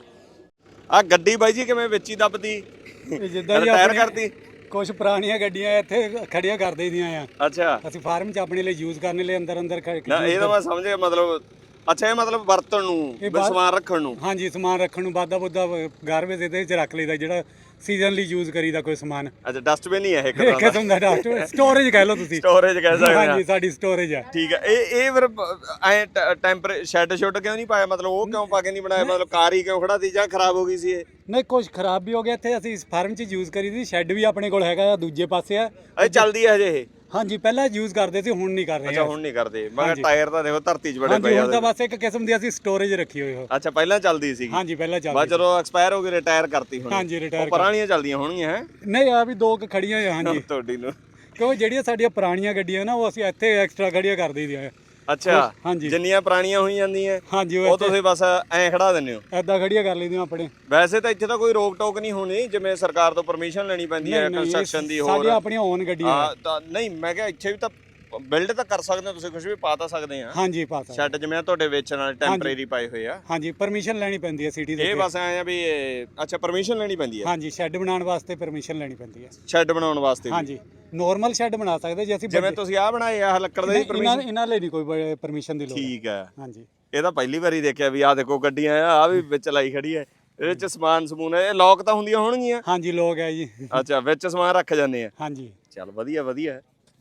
A: ਆ ਗੱਡੀ ਬਾਈ ਜੀ ਕਿਵੇਂ ਵਿੱਚ ਹੀ ਦੱਬਦੀ?
F: ਜਿੱਦਾਂ ਜੀ
A: ਰਿਟਾਇਰ
F: ਆਪਣੀ
A: ਕਰਤੀ?
F: ਕੁਝ ਪੁਰਾਣੀਆਂ ਗੱਡੀਆਂ ਇੱਥੇ ਖੜੀਆਂ ਕਰ ਦੇਈਆਂ ਆ,
A: ਅੱਛਾ
F: ਅਸੀਂ ਫਾਰਮ 'ਚ ਆਪਣੇ ਲਈ ਯੂਜ਼ ਕਰਨ ਲਈ ਅੰਦਰ ਅੰਦਰ ਖ-
A: ਨਾ ਇਹ ਤਾਂ ਮੈਂ ਸਮਝ ਗਿਆ ਮਤਲਬ। ਅੱਛਾ ਇਹ ਮਤਲਬ ਵਰਤਣ ਨੂੰ ਵੀ
F: ਬਾਅਦ-
A: ਸਮਾਨ ਰੱਖਣ ਨੂੰ।
F: ਹਾਂਜੀ ਸਮਾਨ ਰੱਖਣ ਨੂੰ ਵਾਧਾ ਬੁੱਧਾ ਗਾਰਬੇਜ ਇਹਦੇ ਵਿੱਚ ਰੱਖ ਲਈਦਾ, ਜਿਹੜਾ ਸੀਜ਼ਨ ਲਈ ਯੂਜ਼ ਕਰੀਦਾ ਕੋਈ ਸਮਾਨ।
A: ਅੱਛਾ ਡਸਟਬਿਨ ਹੀ ਹੈ ਇਹ
F: ਇੱਕ
A: ਕਿਦਾਂ ਦਾ?
F: ਕਿਸਮ ਦਾ ਡਸਟ ਸਟੋਰੇਜ ਕਹਿ ਲਓ ਤੁਸੀਂ।
A: ਸਟੋਰੇਜ ਕਹਿ ਸਕਦੇ
F: ਹਾਂਜੀ
A: ਆ।
F: ਸਾਡੀ ਸਟੋਰੇਜ ਆ।
A: ਠੀਕ ਹੈ ਇਹ ਇਹ ਫਿਰ ਐ ਟੈਂਪਰ ਸ਼ੈਡ ਸ਼ੁੱਡ ਕਿਉਂ ਨਹੀਂ ਪਾਇਆ? ਮਤਲਬ ਉਹ ਕਿਉਂ ਪਾ ਕੇ ਨਹੀਂ ਬਣਾਇਆ? ਮਤਲਬ ਕਾਰ ਹੀ ਕਿਉਂ ਖੜਾ ਤੀ ਜਾਂ ਖਰਾਬ ਹੋ ਗਈ ਸੀ ਇਹ?
F: ਨਹੀਂ ਕੁਝ ਖਰਾਬ ਵੀ ਹੋ ਗਿਆ ਇੱਥੇ, ਅਸੀਂ ਫਾਰਮ 'ਚ ਯੂਜ਼ ਕਰੀ ਦੀ। ਸ਼ੈੱਡ ਵੀ ਆਪਣੇ ਕੋਲ ਹੈਗਾ ਆ, ਦੂਜੇ ਪਾਸੇ ਆ।
A: ਇਹ ਚੱਲਦੀ ਹੈ ਹਜੇ ਇਹ?
F: ਹਾਂਜੀ ਪਹਿਲਾਂ ਯੂਜ਼ ਕਰਦੇ ਸੀ, ਹੁਣ ਨਹੀਂ ਕਰ ਰਹੇ
A: ਅੱਛਾ ਹੁਣ ਨਹੀਂ ਕਰਦੇ। ਮਗਰ ਟਾਇਰ ਤਾਂ ਦੇਖੋ ਧਰਤੀ 'ਚ ਬੜੇ
F: ਹਾਂਜੀ
A: ਪਏ ਆ।
F: ਹੁਣ ਤਾਂ ਬਸ ਇੱਕ ਕਿਸਮ ਦੀ ਅਸੀਂ ਸਟੋਰੇਜ ਰੱਖੀ ਹੋਈ ਹੋ।
A: ਅੱਛਾ ਪਹਿਲਾਂ ਚੱਲਦੀ ਸੀਗੀ?
F: ਹਾਂਜੀ ਪਹਿਲਾਂ
A: ਬਾਅਦ
F: ਚੱਲਦੀ
A: ਜਦੋਂ ਐਕਸਪਾਇਰ ਹੋ ਗਈ ਰਿਟਾਇਰ ਕਰਤੀ ਹੁਣ?
F: ਹਾਂਜੀ, retire
A: ਉਹ ਪੁਰਾਣੀਆਂ ਚੱਲਦੀਆਂ ਹੋਣਗੀਆਂ ਹੈ
F: ਨਹੀਂ ਆ ਵੀ ਦੋ ਕੁ ਖੜੀਆਂ ਆ। ਹਾਂਜੀ
A: ਤੁਹਾਡੀ ਨੂੰ।
F: ਕਿਉਂਕਿ ਜਿਹੜੀਆਂ ਸਾਡੀਆਂ ਪੁਰਾਣੀਆਂ ਗੱਡੀਆਂ ਨਾ ਉਹ ਅਸੀਂ ਇੱਥੇ ਐਕਸਟਰਾ ਖੜੀਆਂ ਕਰ ਦਈਦੀਆਂ।
A: ਅੱਛਾ
F: ਹਾਂਜੀ।
A: ਜਿੰਨੀਆਂ ਪੁਰਾਣੀਆਂ ਹੋਈ ਜਾਂਦੀਆਂ
F: ਹਾਂਜੀ
A: ਉਹ ਤੁਸੀਂ ਬਸ ਐਂ ਖੜਾ ਦਿੰਦੇ ਹੋ?
F: ਐਦਾਂ ਖੜੀਆਂ ਕਰ ਲਈਦੀਆਂ ਆਪਣੇ।
A: ਵੈਸੇ ਤਾਂ ਇੱਥੇ ਤਾਂ ਕੋਈ ਰੋਕ ਟੋਕ ਨਹੀਂ ਹੋਣੀ, ਜਿਵੇਂ ਸਰਕਾਰ ਤੋਂ ਪਰਮਿਸ਼ਨ ਲੈਣੀ ਪੈਂਦੀ ਹੈ ਕੰਸਟਰਕਸ਼ਨ ਦੀ ਹੋਰ?
F: ਸਾਡੀਆਂ ਆਪਣੀਆਂ ਓਨ ਗੱਡੀਆਂ
A: ਹਾਂ ਤਾਂ ਨਹੀਂ ਮੈਂ ਕਿਹਾ ਇੱਥੇ ਵੀ ਤਾਂ ਬਿਲਡ ਤਾਂ ਕਰ ਸਕਦੇ ਹੋ ਤੁਸੀਂ, ਕੁਝ ਵੀ ਪਾ ਤਾਂ ਸਕਦੇ ਆ।
F: ਹਾਂਜੀ ਪਾ ਸਕਦੇ।
A: ਸ਼ੈੱਡ ਜਿਵੇਂ ਤੁਹਾਡੇ ਵੇਚਣ ਵਾਲੇ ਟੈਂਪਰੇਰੀ ਪਾਏ ਹੋਏ ਆ।
F: ਹਾਂਜੀ ਪਰਮਿਸ਼ਨ ਲੈਣੀ ਪੈਂਦੀ ਹੈ ਸਿਟੀ ਦੇ
A: ਇਹ ਬਸ ਐਂ ਆ ਵੀ ਇਹ- ਅੱਛਾ ਪਰਮਿਸ਼ਨ ਲੈਣੀ ਪੈਂਦੀ ਹੈ
F: ਹਾਂਜੀ ਸ਼ੈੱਡ ਬਣਾਉਣ ਵਾਸਤੇ ਪਰਮਿਸ਼ਨ ਲੈਣੀ ਪੈਂਦੀ ਹੈ।
A: ਸ਼ੈੱਡ ਬਣਾਉਣ ਵਾਸਤੇ ਵੀ?
F: ਹਾਂਜੀ ਨਾਰਮਲ ਸ਼ੈੱਡ ਬਣਾ ਸਕਦੇ ਜੇ ਅਸੀਂ
A: ਜਿਵੇਂ ਤੁਸੀਂ ਆਹ ਬਣਾਏ ਆ ਲੱਕੜ ਦੇ
F: ਨਹੀਂ,
A: ਪਰਮਿਸ਼ਨ?
F: ਇਹਨਾਂ ਇਹਨਾਂ ਲਈ ਨਹੀਂ ਕੋਈ ਪਰਮਿਸ਼ਨ ਦੀ ਲੋੜ।
A: ਠੀਕ ਹੈ।
F: ਹਾਂਜੀ
A: ਇਹ ਤਾਂ ਪਹਿਲੀ ਵਾਰੀ ਦੇਖਿਆ ਵੀ ਆਹ ਦੇਖੋ ਗੱਡੀਆਂ ਆ ਆਹ ਵੀ ਵਿੱਚ ਲਾਈ ਖੜੀ ਹੈ, ਇਹਦੇ ਚ ਸਮਾਨ ਸਮੂਨ ਹੈ। ਇਹ ਲੋਕ ਤਾਂ ਹੁੰਦੀਆਂ ਹੋਣਗੀਆਂ?
F: ਹਾਂਜੀ ਲੋਕ ਹੈ ਜੀ।
A: ਅੱਛਾ ਵਿੱਚ ਸਮਾਨ ਰੱਖ ਜਾਂਦੇ ਆ?
F: ਹਾਂਜੀ
A: ਚੱਲ ਵਧੀਆ ਵਧੀਆ।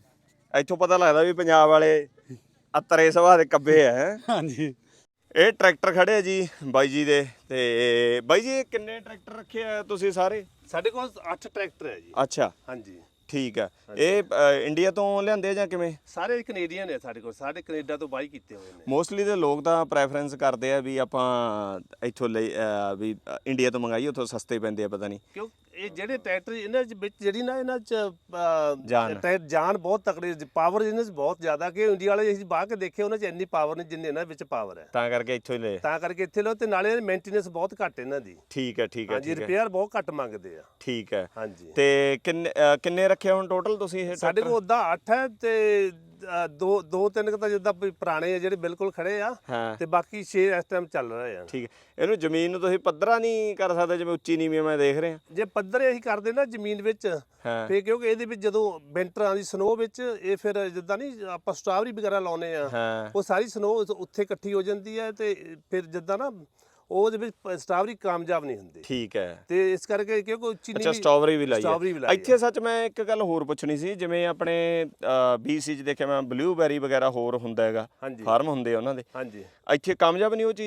A: ਇੱਥੋਂ ਪਤਾ ਲੱਗਦਾ ਵੀ ਪੰਜਾਬ ਵਾਲੇ ਅਤਰੇ ਸੁਭਾਅ ਦੇ ਕੱਬੇ ਆ ਹੈਂ।
F: ਹਾਂਜੀ
A: ਇਹ ਟਰੈਕਟਰ ਖੜੇ ਆ ਜੀ ਬਾਈ ਜੀ ਦੇ। ਤੇ ਬਾਈ ਜੀ ਇਹ ਕਿੰਨੇ ਟਰੈਕਟਰ ਰੱਖੇ ਆ ਤੁਸੀਂ ਸਾਰੇ?
C: ਸਾਡੇ ਕੋਲ ਅੱਠ ਟਰੈਕਟਰ ਹੈ ਜੀ।
A: ਅੱਛਾ
C: ਹਾਂਜੀ
A: ਠੀਕ ਆ। ਇਹ ਅ, ਇੰਡੀਆ ਤੋਂ ਲਿਆਂਦੇ ਆ ਜਾਂ ਕਿਵੇਂ?
C: ਸਾਰੇ ਕੈਨੇਡੀਅਨ ਨੇ ਸਾਡੇ ਕੋਲ, ਸਾਡੇ ਕੈਨੇਡਾ ਤੋਂ ਬਾਈ ਕੀਤੇ ਹੋਏ ਨੇ।
A: ਮੋਸਟਲੀ ਦੇ ਲੋਕ ਤਾਂ ਪ੍ਰੈਫਰੈਂਸ ਕਰਦੇ ਆ ਵੀ ਆਪਾਂ ਇੱਥੋਂ ਲਈ ਅ, ਵੀ ਅ, ਇੰਡੀਆ ਤੋਂ ਮੰਗਾਈਏ, ਉੱਥੋਂ ਸਸਤੇ ਪੈਂਦੇ ਆ ਪਤਾ ਨਹੀਂ
C: ਕਿਉਂ ਇਹ ਜਿਹੜੇ ਟਰੈਕਟਰ ਇਹਨਾਂ ਚ ਵਿੱਚ ਜਿਹੜੀ ਨਾ ਇਹਨਾਂ ਚ ਅਹ,
A: ਜਾਨ।
C: ਟਰੈ- ਜਾਨ ਬਹੁਤ ਤਕੜੀ, ਪਾਵਰ ਇਹਨਾਂ ਚ ਬਹੁਤ ਜ਼ਿਆਦਾ ਕਿ ਇੰਡੀਆ ਵਾਲੇ ਅਸੀਂ ਬਾਹਰ ਕੇ ਦੇਖੇ ਉਹਨਾਂ ਚ ਇੰਨੀ ਪਾਵਰ ਨਹੀਂ ਜਿੰਨੀ ਇਹਨਾਂ ਵਿੱਚ ਪਾਵਰ ਹੈ।
A: ਤਾਂ ਕਰਕੇ ਇੱਥੋਂ ਹੀ ਲਏ।
C: ਤਾਂ ਕਰਕੇ ਇੱਥੇ ਲੋ, ਤੇ ਨਾਲੇ ਮੇਨਟੇਨੈਂਸ ਬਹੁਤ ਘੱਟ ਇਹਨਾਂ ਦੀ।
A: ਠੀਕ ਹੈ ਠੀਕ ਹੈ
C: ਹਾਂਜੀ
A: ਠੀਕ ਹੈ
C: ਰਿਪੇਅਰ ਬਹੁਤ ਘੱਟ ਮੰਗਦੇ ਆ।
A: ਠੀਕ ਹੈ।
C: ਹਾਂਜੀ
A: ਤੇ ਕਿੰਨੇ ਅ, ਕਿੰਨੇ ਰੱਖੇ ਹੁਣ ਟੋਟਲ ਤੁਸੀਂ ਇਹ
C: ਸਾਡੇ
A: tractor?
C: ਕੋਲ ਉਦਾਂ ਅੱਠ ਹੈ ਤੇ ਅ, ਦੋ ਦੋ ਤਿੰਨ ਕੁ ਤਾਂ ਜਿੱਦਾਂ ਵੀ ਪੁਰਾਣੇ ਆ ਜਿਹੜੇ ਬਿਲਕੁਲ ਖੜੇ ਆ,
A: ਹਾਂ
C: ਤੇ ਬਾਕੀ ਛੇ ਇਸ ਟਾਈਮ ਚੱਲ ਰਹੇ ਆ।
A: ਠੀਕ ਹੈ। ਇਹਨੂੰ ਜ਼ਮੀਨ ਨੂੰ ਤੁਸੀਂ ਪੱਧਰਾ ਨਹੀਂ ਕਰ ਸਕਦੇ ਜਿਵੇਂ ਉੱਚੀ ਨੀਵੀਂ ਮੈਂ ਦੇਖ ਰਿਹਾ?
C: ਜੇ ਪੱਧਰੇ ਅਸੀਂ ਕਰਦੇ ਨਾ ਜ਼ਮੀਨ ਵਿੱਚ,
A: ਹਾਂ
C: ਫੇ ਕਿਉਂਕਿ ਇਹਦੇ ਵਿੱਚ ਜਦੋਂ ਵਿੰਟਰਾਂ ਦੀ ਸਨੋ ਵਿੱਚ ਇਹ ਫਿਰ ਜਿੱਦਾਂ ਨਹੀਂ ਆਪਾਂ ਸਟ੍ਰਾਬਰੀ ਵਗੈਰਾ ਲਾਉਨੇ ਆ,
A: ਹਾਂ
C: ਉਹ ਸਾਰੀ ਸਨੋ ਉੱਥੇ ਇਕੱਠੀ ਹੋ ਜਾਂਦੀ ਹੈ ਤੇ ਫਿਰ ਜਿੱਦਾਂ ਨਾ ਉਹਦੇ ਵਿੱਚ ਸਟ੍ਰਾਬਰੀ ਕਾਮਯਾਬ ਨਹੀਂ ਹੁੰਦੀ।
A: ਠੀਕ ਹੈ।
C: ਤੇ ਇਸ ਕਰਕੇ ਕਿਉਂਕਿ ਉੱਚੀ
A: ਅੱਛਾ
C: ਨੀਵੀਂ
A: ਸਟ੍ਰਾਬੇਰੀ ਵੀ ਲਾਈ
C: ਸਟ੍ਰਾਬੇਰੀ ਵੀ
A: ਹੈ
C: ਲਾਈ
A: ਇੱਥੇ। ਸੱਚ ਮੈਂ ਇੱਕ ਗੱਲ ਹੋਰ ਪੁੱਛਣੀ ਸੀ, ਜਿਵੇਂ ਆਪਣੇ ਬੀਸੀ ਚ ਦੇਖਿਆ ਮੈਂ ਬਲੂਬੈਰੀ ਵਗੈਰਾ ਹੋਰ ਹੁੰਦਾ ਹੈਗਾ,
C: ਹਾਂਜੀ
A: ਫਾਰਮ ਹੁੰਦੇ ਆ ਉਹਨਾਂ ਦੇ,
C: ਹਾਂਜੀ
A: ਇੱਥੇ ਕਾਮਯਾਬ ਨਹੀਂ ਉਹ ਚੀਜ਼?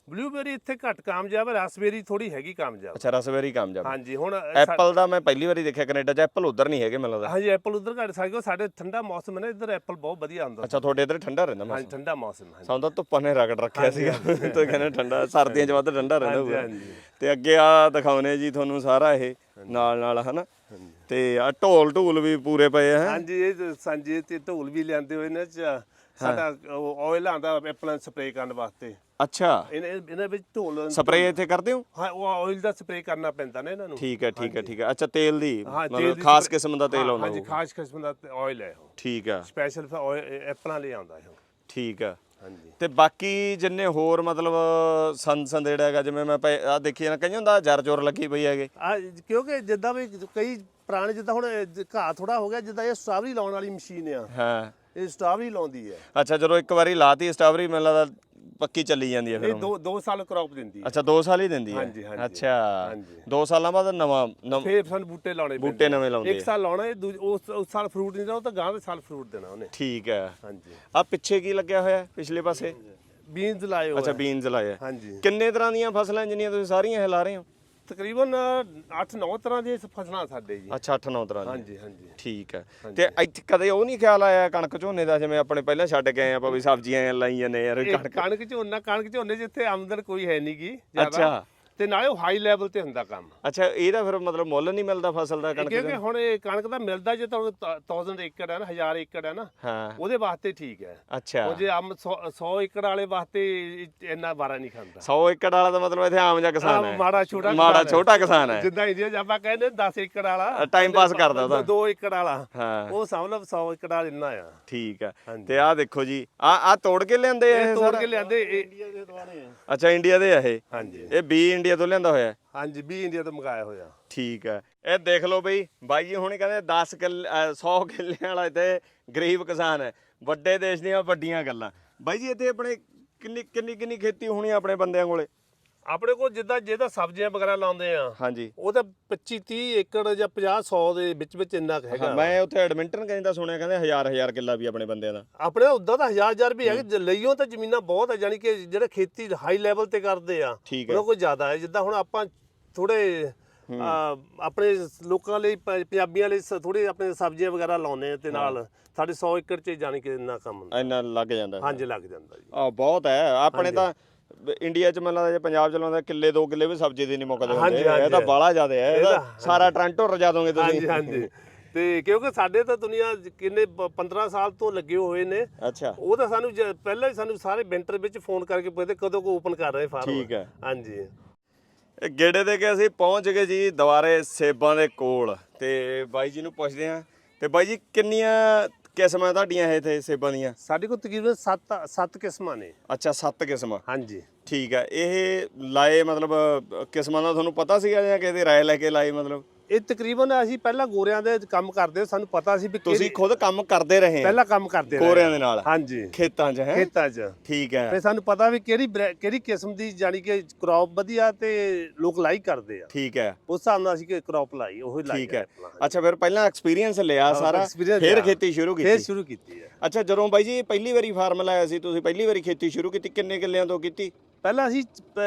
C: ਬਲੂਬੇਰੀ ਇੱਥੇ ਘੱਟ ਕਾਮਯਾਬ ਹੈ, ਰਸਬੇਰੀ ਥੋੜੀ ਹੈਗੀ ਕਾਮਯਾਬ।
A: ਅੱਛਾ ਰਸਬੇਰੀ ਕਾਮਯਾਬ।
C: ਹਾਂਜੀ ਹੁਣ
A: ਐਪਲ ਦਾ ਮੈਂ ਪਹਿਲੀ ਵਾਰੀ ਦੇਖਿਆ ਕੈਨੇਡਾ 'ਚ, ਐਪਲ ਉਧਰ ਨਹੀਂ ਹੈਗੇ ਮੈਨੂੰ ਲੱਗਦਾ।
C: ਹਾਂਜੀ ਐਪਲ ਉਧਰ ਘੱਟ ਸਾਡੇ ਸਾਡੇ ਠੰਡਾ ਮੌਸਮ ਹੈ ਨਾ, ਇੱਧਰ ਐਪਲ ਬਹੁਤ ਵਧੀਆ ਹੁੰਦਾ।
A: ਅੱਛਾ ਤੁਹਾਡੇ ਇੱਧਰ ਠੰਡਾ ਰਹਿੰਦਾ
C: ਹਾਂਜੀ
A: ਮੌਸਮ?
C: ਠੰਡਾ ਮੌਸਮ ਹੈ।
A: ਸਾਨੂੰ ਤਾਂ ਧੁੱਪਾਂ ਨੇ ਰਗੜ ਰੱਖਿਆ ਸੀਗਾ, ਤੂੰ ਕਹਿੰਦਾ ਠੰਡਾ, ਸਰਦੀਆਂ 'ਚ ਵੱਧ ਠੰਡਾ ਰਹਿੰਦਾ ਹੋਊਗਾ।
C: ਹਾਂਜੀ।
A: ਤੇ ਅੱਗੇ ਆ ਦਿਖਾਉਨੇ ਜੀ ਤੁਹਾਨੂੰ ਸਾਰਾ ਇਹ ਨਾਲ ਨਾਲ ਹਨਾ, ਤੇ ਆ ਢੋਲ ਢੂਲ ਵੀ ਪੂਰੇ ਪਏ ਆ।
C: ਹਾਂਜੀ ਇਹ ਸਾਂਝੇ ਤੇ ਢੋਲ ਵੀ ਲਿਆਂਦੇ ਹੋਏ ਨੇ, ਚ ਸਾਡਾ ਆਇਲ ਆਂਦਾ ਐਪਲਾਂ ਸਪਰੇਅ ਕਰਨ ਵਾਸਤੇ।
A: ਅੱਛਾ
C: ਇਹਨਾਂ ਇਹਨਾਂ ਵਿੱਚ ਢੋਲ
A: ਸਪਰੇਅ ਇੱਥੇ ਕਰਦੇ ਹੋ?
C: ਹਾਂ ਉਹ ਆਇਲ ਦਾ ਸਪਰੇਅ ਕਰਨਾ ਪੈਂਦਾ ਨਾ ਇਹਨਾਂ ਨੂੰ।
A: ਠੀਕ ਹੈ ਠੀਕ ਹੈ ਠੀਕ ਹੈ। ਅੱਛਾ ਤੇਲ ਦੀ
C: ਹਾਂ, ਤੇਲ
A: ਮਤਲਬ
C: ਦੀ
A: ਖਾਸ
C: spray-
A: ਕਿਸਮ ਦਾ ਤੇਲ
C: ਹਾਂ,
A: ਆਉਂਦਾ
C: ਹਾਂਜੀ
A: ਹੋਊਗਾ।
C: ਖਾਸ ਕਿਸਮ ਦਾ ਆਇਲ ਹੈ ਉਹ,
A: ਠੀਕ ਹੈ
C: ਸਪੈਸ਼ਲ ਐਪਲਾਂ ਲਈ ਆਉਂਦਾ ਹੈ ਉਹ।
A: ਠੀਕ ਹੈ।
C: ਹਾਂਜੀ
A: ਤੇ ਬਾਕੀ ਜਿੰਨੇ ਹੋਰ ਮਤਲਬ ਸੰਦ ਸੰਦੇੜਾ ਹੈਗਾ, ਜਿਵੇਂ ਮੈਂ ਆ ਦੇਖੀ ਨਾ ਕਈ ਹੁੰਦਾ ਜਰ ਜੋਰ ਲੱਗੀ ਪਈ ਹੈਗੇ।
C: ਆ ਕਿਉਂਕਿ ਜਿੱਦਾਂ ਵੀ ਕਈ ਪੁਰਾਣੇ ਜਿੱਦਾਂ ਹੁਣ ਘਾਹ ਥੋੜਾ ਹੋ ਗਿਆ, ਜਿੱਦਾਂ ਇਹ ਸਟ੍ਰਾਬੇਰੀ ਲਾਉਣ ਵਾਲੀ ਮਸ਼ੀਨ ਆ,
A: ਹਾਂ
C: ਇਹ ਸਟ੍ਰਾਬੇਰੀ ਲਾਉਂਦੀ ਹੈ।
A: ਅੱਛਾ ਜਦੋਂ ਇੱਕ ਵਾਰੀ ਲਾਤੀ ਸਟ੍ਰਾਬੇਰੀ ਮੈਨੂੰ ਲੱਗਦਾ ਪੱਕੀ ਚੱਲੀ ਜਾਂਦੀ ਹੈ ਫਿਰ
C: ਇਹ
A: ਹੁਣ।
C: ਦੋ ਦੋ ਸਾਲ ਕ੍ਰੌਪ ਦਿੰਦੀ ਹੈ।
A: ਅੱਛਾ ਦੋ ਸਾਲ ਹੀ ਦਿੰਦੀ ਹੈ?
C: ਹਾਂਜੀ, ਹਾਂਜੀ,
A: ਅੱਛਾ
C: ਹਾਂਜੀ।
A: ਦੋ ਸਾਲਾਂ ਬਾਅਦ ਨਵਾਂ ਨਵ-
C: ਫੇਰ ਸਾਨੂੰ ਬੂਟੇ ਲਾਉਣੇ ਪੈਂਦੇ।
A: ਬੂਟੇ ਨਵੇਂ ਲਾਉਂਦੇ
C: ਇੱਕ ਸਾਲ ਲਾਉਣਾ, ਇਹ ਦੂਜ- ਉਸ ਉਸ ਸਾਲ ਫਰੂਟ ਨਹੀਂ ਦੇਣਾ, ਉਹ ਤਾਂ ਗਾਂ ਦੇ ਸਾਲ ਫਰੂਟ ਦੇਣਾ ਉਹਨੇ।
A: ਠੀਕ ਹੈ।
C: ਹਾਂਜੀ
A: ਆ ਪਿੱਛੇ ਕੀ ਲੱਗਿਆ ਹੋਇਆ ਪਿਛਲੇ ਪਾਸੇ?
C: ਬੀਨਸ ਲਾਏ ਹੋਏ
A: ਅੱਛਾ
C: ਆ।
A: ਬੀਨਸ ਲਾਏ ਆ।
C: ਹਾਂਜੀ
A: ਕਿੰਨੇ ਤਰ੍ਹਾਂ ਦੀਆਂ ਫਸਲਾਂ ਜਿੰਨੀਆਂ ਤੁਸੀਂ ਸਾਰੀਆਂ ਇਹ ਲਾ ਰਹੇ ਹੋ?
C: ਤਕਰੀਬਨ ਅੱਠ ਨੌ ਤਰ੍ਹਾਂ ਦੀਆਂ ਫਸਲਾਂ ਸਾਡੇ ਜੀ।
A: ਅੱਛਾ ਅੱਠ ਨੌ ਤਰ੍ਹਾਂ ਦੀਆਂ।
C: ਹਾਂਜੀ ਹਾਂਜੀ
A: ਠੀਕ ਹੈ। ਤੇ ਇੱਥੇ ਕਦੇ ਉਹ ਨਹੀਂ ਖਿਆਲ ਆਇਆ ਕਣਕ ਝੋਨੇ ਦਾ, ਜਿਵੇਂ ਆਪਣੇ ਪਹਿਲਾਂ ਛੱਡ ਕੇ ਆਏ ਆਪਾਂ ਵੀ ਸਬਜ਼ੀਆਂ ਲਾਈ ਜਾਂਦੇ ਯਾਰ
C: ਇਹ
A: ਕਣਕ?
C: ਕਣਕ ਝੋਨਾ ਕਣਕ ਝੋਨੇ ਜਿੱਥੇ ਆਮਦਨ ਕੋਈ ਹੈ ਨਹੀਂ ਗੀ ਜ਼ਿਆਦਾ,
A: ਅੱਛਾ
C: ਤੇ ਨਾਲੇ ਉਹ ਹਾਈ ਲੈਵਲ ਤੇ ਹੁੰਦਾ ਕੰਮ।
A: ਅੱਛਾ ਇਹਦਾ ਫਿਰ ਮਤਲਬ ਮੁੱਲ ਨਹੀਂ ਮਿਲਦਾ ਫਸਲ ਦਾ ਕਣਕ
C: ਕਿਉਂਕਿ
A: ਦਾ?
C: ਹੁਣ ਇਹ ਕਣਕ ਦਾ ਮਿਲਦਾ ਜੇ ਤੁਹਾਨੂੰ ਹਜ਼ਾਰ ਏਕੜ ਹੈ ਨਾ, ਹਜ਼ਾਰ ਏਕੜ ਹੈ ਨਾ,
A: ਹਾਂ
C: ਉਹਦੇ ਵਾਸਤੇ ਠੀਕ ਹੈ।
A: ਅੱਛਾ
C: ਉਹ ਜੇ ਆਮ ਸੌ ਏਕੜ ਵਾਲੇ ਵਾਸਤੇ ਇੰਨਾ ਬਾਰਾ ਨਹੀਂ ਖਾਂਦਾ।
A: ਸੌ ਏਕੜ ਵਾਲਾ ਤਾਂ ਮਤਲਬ ਇੱਥੇ ਆਮ ਜਿਹਾ ਕਿਸਾਨ
C: ਆਹ
A: ਹੈ,
C: ਮਾੜਾ ਛੋਟਾ
A: ਮਾੜਾ
C: ਕਿਸਾਨ ਹੈ।
A: ਛੋਟਾ ਕਿਸਾਨ ਹੈ,
C: ਜਿੱਦਾਂ ਇੰਡੀਆ 'ਚ ਆਪਾਂ ਕਹਿੰਦੇ ਦਸ ਏਕੜ ਵਾਲਾ
A: ਟਾਈਮ ਪਾਸ ਕਰਦਾ ਉਹਦਾ।
C: ਦੋ ਏਕੜ ਵਾਲਾ,
A: ਹਾਂ
C: ਉਹ ਸਮਝ ਲਓ ਸੌ ਏਕੜ ਵਾਲਾ ਇੰਨਾ ਆ।
A: ਠੀਕ ਹੈ।
C: ਹਾਂਜੀ।
A: ਤੇ ਆਹ ਦੇਖੋ ਜੀ ਆ ਆ ਤੋੜ ਕੇ ਲਿਆਂਦੇ ਆ
C: ਇਹ
A: ਇਹ
C: ਤੋੜ
A: ਸਾਰਾ?
C: ਕੇ ਲਿਆਂਦੇ ਇਹ-
A: ਅੱਛਾ ਇੰਡੀਆ ਦੇ ਆ ਇਹ?
C: ਹਾਂਜੀ
A: ਇਹ ਬੀ ਇੰਡੀਆ ਤੋਂ ਲਿਆਂਦਾ ਹੋਇਆ?
C: ਹਾਂਜੀ ਵੀ ਇੰਡੀਆ ਤੋਂ ਮੰਗਾਇਆ ਹੋਇਆ।
A: ਠੀਕ ਹੈ। ਇਹ ਦੇਖ ਲਓ ਬਈ ਬਾਈ ਜੀ ਹੁਣੇ ਕਹਿੰਦੇ ਦਸ ਕਿੱਲੇ ਸੌ ਕਿੱਲਿਆਂ ਵਾਲਾ ਇੱਥੇ ਗਰੀਬ ਕਿਸਾਨ ਹੈ। ਵੱਡੇ ਦੇਸ਼ ਦੀਆਂ ਵੱਡੀਆਂ ਗੱਲਾਂ। ਬਾਈ ਜੀ ਇੱਥੇ ਆਪਣੇ ਕਿੰਨੀ ਕਿੰਨੀ ਕਿੰਨੀ ਖੇਤੀ ਹੋਣੀ ਆਪਣੇ ਬੰਦਿਆਂ ਕੋਲੇ?
C: ਆਪਣੇ ਕੋਲ ਜਿੱਦਾਂ ਜਿਹਦਾ ਸਬਜ਼ੀਆਂ ਵਗੈਰਾ ਲਾਉਂਦੇ ਆ,
A: ਹਾਂਜੀ
C: ਉਹ ਤਾਂ ਪੱਚੀ ਤੀਹ ਏਕੜ ਜਾਂ ਪੰਜਾਹ ਸੌ ਦੇ ਵਿੱਚ ਵਿੱਚ ਇੰਨਾ ਕੁ ਹੈਗਾ।
A: ਮੈਂ ਉੱਥੇ ਐਡਮਿੰਟਨ ਕਹਿੰਦਾ ਸੁਣਿਆ, ਕਹਿੰਦੇ ਹਜ਼ਾਰ ਹਜ਼ਾਰ ਕਿੱਲਾ ਵੀ ਆਪਣੇ ਬੰਦਿਆਂ ਦਾ।
C: ਆਪਣੇ ਉਦਾਂ ਤਾਂ ਹਜ਼ਾਰ ਹਜ਼ਾਰ ਵੀ ਹੈਗੇ, ਲਈਓ ਤਾਂ ਜ਼ਮੀਨਾਂ ਬਹੁਤ ਹੈ, ਜਾਨੀ ਕਿ ਜਿਹੜੇ ਖੇਤੀ ਹਾਈ ਲੈਵਲ ਤੇ ਕਰਦੇ ਆ
A: ਠੀਕ ਹੈ।
C: ਉਹਨਾਂ ਕੋਲ ਜ਼ਿਆਦਾ ਹੈ। ਜਿੱਦਾਂ ਹੁਣ ਆਪਾਂ ਥੋੜੇ ਆਪਣੇ ਲੋਕਾਂ ਲਈ ਪ- ਪੰਜਾਬੀਆਂ ਲਈ ਥੋੜੀ ਆਪਣੇ ਸਬਜ਼ੀਆਂ ਵਗੈਰਾ ਲਾਉਂਦੇ ਆ, ਤੇ ਨਾਲ ਸਾਡੇ ਸੌ ਏਕੜ 'ਚ ਜਾਨੀ ਕਿ ਇੰਨਾ ਕੰਮ ਹੁੰਦਾ।
A: ਇੰਨਾ ਲੱਗ ਜਾਂਦਾ?
C: ਹਾਂਜੀ ਲੱਗ ਜਾਂਦਾ ਜੀ।
A: ਆ ਬਹੁਤ ਹੈ ਆਪਣੇ ਤਾਂ ਇੰਡੀਆ ਚ ਮੈਨੂੰ ਲੱਗਦਾ ਜੇ ਪੰਜਾਬ ਚ ਲਾਉਂਦਾ ਕਿੱਲੇ ਦੋ ਕਿੱਲੇ ਵੀ ਸਬਜ਼ੀ ਦੇ ਨਹੀਂ ਮੁੱਕਦੇ ਹੁੰਦੇ।
C: ਹਾਂਜੀ, ਹਾਂਜੀ।
A: ਇਹ ਤਾਂ ਬਾਹਲਾ ਜ਼ਿਆਦਾ ਹੈ, ਇਹ ਤਾਂ
C: ਇਹਦਾ-
A: ਸਾਰਾ ਟ੍ਰਾਂਟੋ ਰਜਾ ਦੋਗੇ ਤੁਸੀਂ।
C: ਹਾਂਜੀ ਹਾਂਜੀ ਤੇ ਕਿਉਂਕਿ ਸਾਡੇ ਤਾਂ ਦੁਨੀਆ ਕਿੰਨੇ ਪੰਦਰਾਂ ਸਾਲ ਤੋਂ ਲੱਗੇ ਹੋਏ ਨੇ।
A: ਅੱਛਾ
C: ਉਹ ਤਾਂ ਸਾਨੂੰ ਜ- ਪਹਿਲਾਂ ਹੀ ਸਾਨੂੰ ਸਾਰੇ ਵਿੰਟਰ ਵਿੱਚ ਫੋਨ ਕਰਕੇ ਪੁੱਛਦੇ ਕਦੋਂ ਕੋ ਓਪਨ ਕਰ ਰਹੇ ਫਾਰਮ।
A: ਠੀਕ ਹੈ।
C: ਹਾਂਜੀ
A: ਇਹ ਗੇੜੇ ਦੇ ਕੇ ਅਸੀਂ ਪਹੁੰਚ ਗਏ ਜੀ ਦੁਬਾਰੇ ਸੇਬਾਂ ਦੇ ਕੋਲ, ਤੇ ਬਾਈ ਜੀ ਨੂੰ ਪੁੱਛਦੇ ਹਾਂ। ਤੇ ਬਾਈ ਜੀ ਕਿੰਨੀਆਂ ਕਿਸਮਾਂ ਤੁਹਾਡੀਆਂ ਇਹ ਇੱਥੇ ਸੇਬਾਂ ਦੀਆਂ?
C: ਸਾਡੇ ਕੋਲ ਤਕਰੀਬਨ ਸੱਤ ਸੱਤ ਕਿਸਮਾਂ ਨੇ।
A: ਅੱਛਾ ਸੱਤ ਕਿਸਮਾਂ।
C: ਹਾਂਜੀ
A: ਠੀਕ ਹੈ। ਇਹ ਲਾਏ ਮਤਲਬ ਅ, ਕਿਸਮਾਂ ਦਾ ਤੁਹਾਨੂੰ ਪਤਾ ਸੀਗਾ ਜਾਂ ਕਿਸੇ ਦੀ ਰਾਏ ਲੈ ਕੇ ਲਾਏ ਮਤਲਬ?
C: ਇਹ ਤਕਰੀਬਨ ਅਸੀਂ ਪਹਿਲਾਂ ਗੋਰਿਆਂ ਦੇ ਕੰਮ ਕਰਦੇ, ਸਾਨੂੰ ਪਤਾ ਸੀ ਵੀ
A: ਤੁਸੀਂ
C: ਕਿਹੜੀ-
A: ਖੁਦ ਕੰਮ ਕਰਦੇ ਰਹੇ ਆ
C: ਪਹਿਲਾਂ ਕੰਮ ਕਰਦੇ ਰਹੇ।
A: ਗੋਰਿਆਂ ਦੇ ਨਾਲ
C: ਹਾਂਜੀ
A: ਖੇਤਾਂ 'ਚ? ਹੈ
C: ਖੇਤਾਂ 'ਚ
A: ਠੀਕ ਹੈ
C: ਤੇ ਸਾਨੂੰ ਪਤਾ ਵੀ ਕਿਹੜੀ ਬਰੈ- ਕਿਹੜੀ ਕਿਸਮ ਦੀ ਜਾਨੀ ਕਿ ਕ੍ਰੌਪ ਵਧੀਆ ਤੇ ਲੋਕ ਲਾਈਕ ਕਰਦੇ ਆ,
A: ਠੀਕ ਹੈ
C: ਉਸ ਹਿਸਾਬ ਨਾਲ ਅਸੀਂ ਕਿ ਕ੍ਰੌਪ ਲਾਈ ਉਹੀ ਲਾਈ
A: ਠੀਕ ਹੈ। ਅੱਛਾ ਫਿਰ ਪਹਿਲਾਂ ਐਕਸਪੀਰੀਅੰਸ ਲਿਆ ਸਾਰਾ,
C: experience
A: ਫਿਰ
C: ਲਿਆ।
A: ਖੇਤੀ ਸ਼ੁਰੂ
C: ਫੇਰ
A: ਕੀਤੀ?
C: ਸ਼ੁਰੂ ਕੀਤੀ ਹੈ।
A: ਅੱਛਾ ਜਦੋਂ ਬਾਈ ਜੀ ਪਹਿਲੀ ਵਾਰੀ ਫਾਰਮ ਲਾਇਆ ਸੀ ਤੁਸੀਂ, ਪਹਿਲੀ ਵਾਰੀ ਖੇਤੀ ਸ਼ੁਰੂ ਕੀਤੀ, ਕਿੰਨੇ ਕਿੱਲਿਆਂ ਤੋਂ ਕੀਤੀ?
C: ਪਹਿਲਾਂ ਅਸੀਂ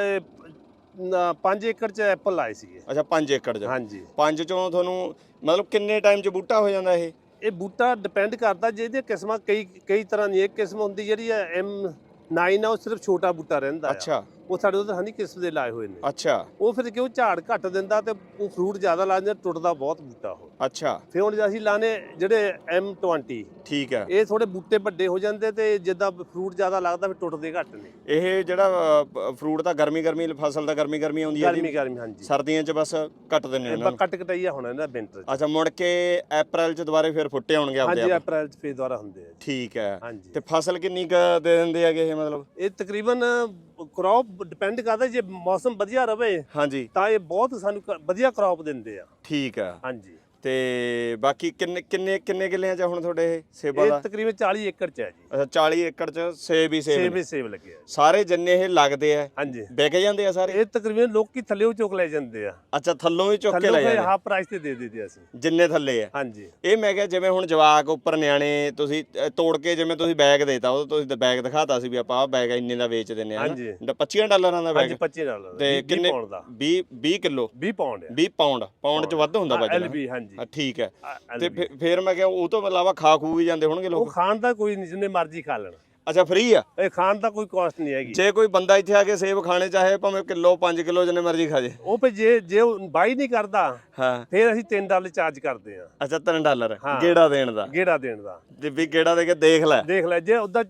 C: ਪੰਜ ਏਕੜ 'ਚ ਐਪਲ ਲਾਏ ਸੀਗੇ।
A: ਅੱਛਾ ਪੰਜ ਏਕੜ 'ਚ?
C: ਹਾਂਜੀ
A: ਪੰਜ ਚੋਂ ਤੁਹਾਨੂੰ ਮਤਲਬ ਕਿੰਨੇ ਟਾਈਮ 'ਚ ਬੂਟਾ ਹੋ ਜਾਂਦਾ ਇਹ?
C: ਇਹ ਬੂਟਾ ਡਿਪੈਂਡ ਕਰਦਾ, ਜਿਹਦੀਆਂ ਕਿਸਮਾਂ ਕਈ ਕਈ ਤਰ੍ਹਾਂ ਦੀ। ਇੱਕ ਕਿਸਮ ਹੁੰਦੀ ਜਿਹੜੀ ਹੈ ਐਮ ਨਾਈਨ ਆ, ਉਹ ਸਿਰਫ ਛੋਟਾ ਬੂਟਾ ਰਹਿੰਦਾ ਆ।
A: ਅੱਛਾ
C: ਉਹ ਸਾਡੇ ਉਧਰ ਹਨੀ ਕਿਸਮ ਦੇ ਲਾਏ ਹੋਏ ਨੇ।
A: ਅੱਛਾ
C: ਉਹ ਫਿਰ ਕਿਉਂ ਝਾੜ ਘੱਟ ਦਿੰਦਾ ਤੇ ਉਹ ਫਰੂਟ ਜ਼ਿਆਦਾ ਲਾ ਦਿੰਦਾ, ਟੁੱਟਦਾ ਬਹੁਤ ਬੂਟਾ ਉਹ।
A: ਅੱਛਾ
C: ਫਿਰ ਹੁਣ ਜੇ ਅਸੀਂ ਲਾਣੇ ਜਿਹੜੇ ਐਮ ਟਵੰਟੀ,
A: ਠੀਕ ਹੈ।
C: ਇਹ ਥੋੜੇ ਬੂਟੇ ਵੱਡੇ ਹੋ ਜਾਂਦੇ ਤੇ ਜਿੱਦਾਂ ਫਰੂਟ ਜ਼ਿਆਦਾ ਲੱਗਦਾ ਫਿਰ ਟੁੱਟਦੇ ਘੱਟ ਨੇ।
A: ਇਹ ਜਿਹੜਾ ਫਰੂਟ ਤਾਂ ਗਰਮੀ ਗਰਮੀ ਫਸਲ ਤਾਂ ਗਰਮੀ ਗਰਮੀ ਆਉਂਦੀ ਹੈ
C: ਗਰਮੀ
A: ਜੀ,
C: ਗਰਮੀ ਹਾਂਜੀ।
A: ਸਰਦੀਆਂ 'ਚ ਬਸ ਕੱਟ ਦਿੰਦੇ
C: ਇਹ
A: ਉਹਨਾਂ ਨੂੰ?
C: ਕੱਟ ਕਟਾਈਆ ਹੋਣਾ ਇਹਨਾਂ ਵਿੰਟਰ 'ਚ।
A: ਅੱਛਾ ਮੁੜ ਕੇ ਅਪ੍ਰੈਲ 'ਚ ਦੁਬਾਰੇ ਫਿਰ ਫੁੱਟੇ ਹੋਣਗੇ ਆਪਦੇ
C: ਹਾਂਜੀ
A: ਆਪ?
C: ਅਪ੍ਰੈਲ 'ਚ ਫੇਰ ਦੁਆਰਾ ਹੁੰਦੇ ਆ।
A: ਠੀਕ ਹੈ।
C: ਹਾਂਜੀ
A: ਤੇ ਫਸਲ ਕਿੰਨੀ ਕੁ ਦੇ ਦਿੰਦੇ ਹੈਗੇ ਇਹ ਮਤਲਬ?
C: ਇਹ ਤਕਰੀਬਨ ਕ੍ਰੌਪ ਡਿਪੈਂਡ ਕਰਦਾ, ਜੇ ਮੌਸਮ ਵਧੀਆ ਰਵੇ
A: ਹਾਂਜੀ
C: ਤਾਂ ਇਹ ਬਹੁਤ ਸਾਨੂੰ ਕ- ਵਧੀਆ ਕ੍ਰੌਪ ਦਿੰਦੇ ਆ।
A: ਠੀਕ ਹੈ।
C: ਹਾਂਜੀ
A: ਤੇ ਬਾਕੀ ਕਿੰਨੇ ਕਿੰਨੇ ਕਿੰਨੇ ਕਿੱਲਿਆਂ 'ਚ ਹੁਣ ਤੁਹਾਡੇ ਇਹ ਸੇਬਾਂ
C: ਇਹ
A: ਦਾ?
C: ਤਕਰੀਬਨ ਚਾਲੀ ਏਕੜ ਚ ਹੈ ਜੀ।
A: ਅੱਛਾ ਚਾਲੀ ਏਕੜ 'ਚ ਸੇਬ ਹੀ ਸੇਬ
C: ਸੇਬ
A: ਨੇ।
C: ਹੀ ਸੇਬ ਲੱਗੇ ਆ।
A: ਸਾਰੇ ਜਿੰਨੇ ਇਹ ਲੱਗਦੇ ਆ
C: ਹਾਂਜੀ
A: ਵਿਕ ਜਾਂਦੇ ਆ ਸਾਰੇ?
C: ਇਹ ਤਕਰੀਬਨ ਲੋਕੀ ਥੱਲੇ ਚੁੱਕ ਲੈ ਜਾਂਦੇ ਆ।
A: ਅੱਛਾ ਥੱਲੋਂ ਹੀ ਚੁੱਕ ਕੇ ਲੈ
C: ਥੱਲੇ
A: ਜਾਂਦੇ
C: ਹਾਫ ਪ੍ਰਾਈਸ ਤੇ ਦੇ ਦਿੰਦੇ ਅਸੀਂ।
A: ਜਿੰਨੇ ਥੱਲੇ ਆ?
C: ਹਾਂਜੀ
A: ਇਹ ਮੈਂ ਕਿਹਾ ਜਿਵੇਂ ਹੁਣ ਜਵਾਕ ਉੱਪਰ ਨਿਆਣੇ ਤੁਸੀਂ ਅ, ਤੋੜ ਕੇ ਜਿਵੇਂ ਤੁਸੀਂ ਬੈਗ ਦੇਤਾ ਉਹ ਤੁਸੀਂ ਬੈਗ ਦਿਖਾਤਾ ਸੀ ਵੀ ਆਪਾਂ ਆਹ ਬੈਗ ਇੰਨੇ ਦਾ ਵੇਚ ਦਿੰਨੇ ਆ
C: ਹਾਂਜੀ।
A: ਪੱਚੀ ਡਾਲਰਾਂ ਦਾ
C: ਹਾਂਜੀ
A: ਬੈਗ?
C: ਪੱਚੀ ਡਾਲਰ
A: ਤੇ ਕਿੰਨੇ?
C: ਪਾਉਂਡ ਦਾ
A: ਵੀਹ ਵੀਹ ਕਿਲੋ?
C: ਵੀਹ ਪਾਉਂਡ ਹੈ।
A: ਵੀਹ ਪਾਉਂਡ? ਪਾਉਂਡ 'ਚ ਵੱਧ ਹੁੰਦਾ ਵਜਨ?
C: ਐਲਬੀ ਹਾਂਜੀ।
A: ਹਾਂ, ਠੀਕ ਹੈ।
C: ਆ,
A: ਤੇ
C: ਐਲ ਬੀ।
A: ਫਿਰ- ਫਿਰ ਮੈਂ ਕਿਹਾ ਉਹ ਤੋਂ ਇਲਾਵਾ ਖਾ ਖੂ ਵੀ ਜਾਂਦੇ ਹੋਣਗੇ
C: ਉਹ
A: ਲੋਕ?
C: ਖਾਣ ਦਾ ਕੋਈ ਨਹੀਂ, ਜਿੰਨੇ ਮਰਜ਼ੀ ਖਾ ਲੈਣ।
A: ਅੱਛਾ ਫ੍ਰੀ ਆ?
C: ਇਹ ਖਾਣ ਦਾ ਕੋਈ ਕਾਸਟ ਨਹੀਂ ਹੈਗੀ।
A: ਜੇ ਕੋਈ ਬੰਦਾ ਇੱਥੇ ਆ ਕੇ ਸੇਬ ਖਾਣੇ ਚਾਹੇ ਭਾਵੇਂ ਕਿਲੋ ਪੰਜ ਕਿਲੋ ਜਿੰਨੇ ਮਰਜ਼ੀ ਖਾ ਜੇ?
C: ਉਹ ਭਈ ਜੇ ਜੇ ਉਹ ਬਾਈ ਨਹੀਂ ਕਰਦਾ
A: ਹਾਂ।
C: ਫਿਰ ਅਸੀਂ ਤਿੰਨ ਡਾਲਰ ਚਾਰਜ ਕਰਦੇ ਆ
A: ਅੱਛਾ ਤਿੰਨ ਡਾਲਰ
C: ਹਾਂ।
A: ਗੇੜਾ ਦੇਣ ਦਾ?
C: ਗੇੜਾ ਦੇਣ ਦਾ।
A: ਤੇ ਵੀ ਗੇੜਾ ਦੇ ਕੇ ਦੇਖ ਲੈ।
C: ਦੇਖ ਲੈ ਜੇ ਉਹਦਾ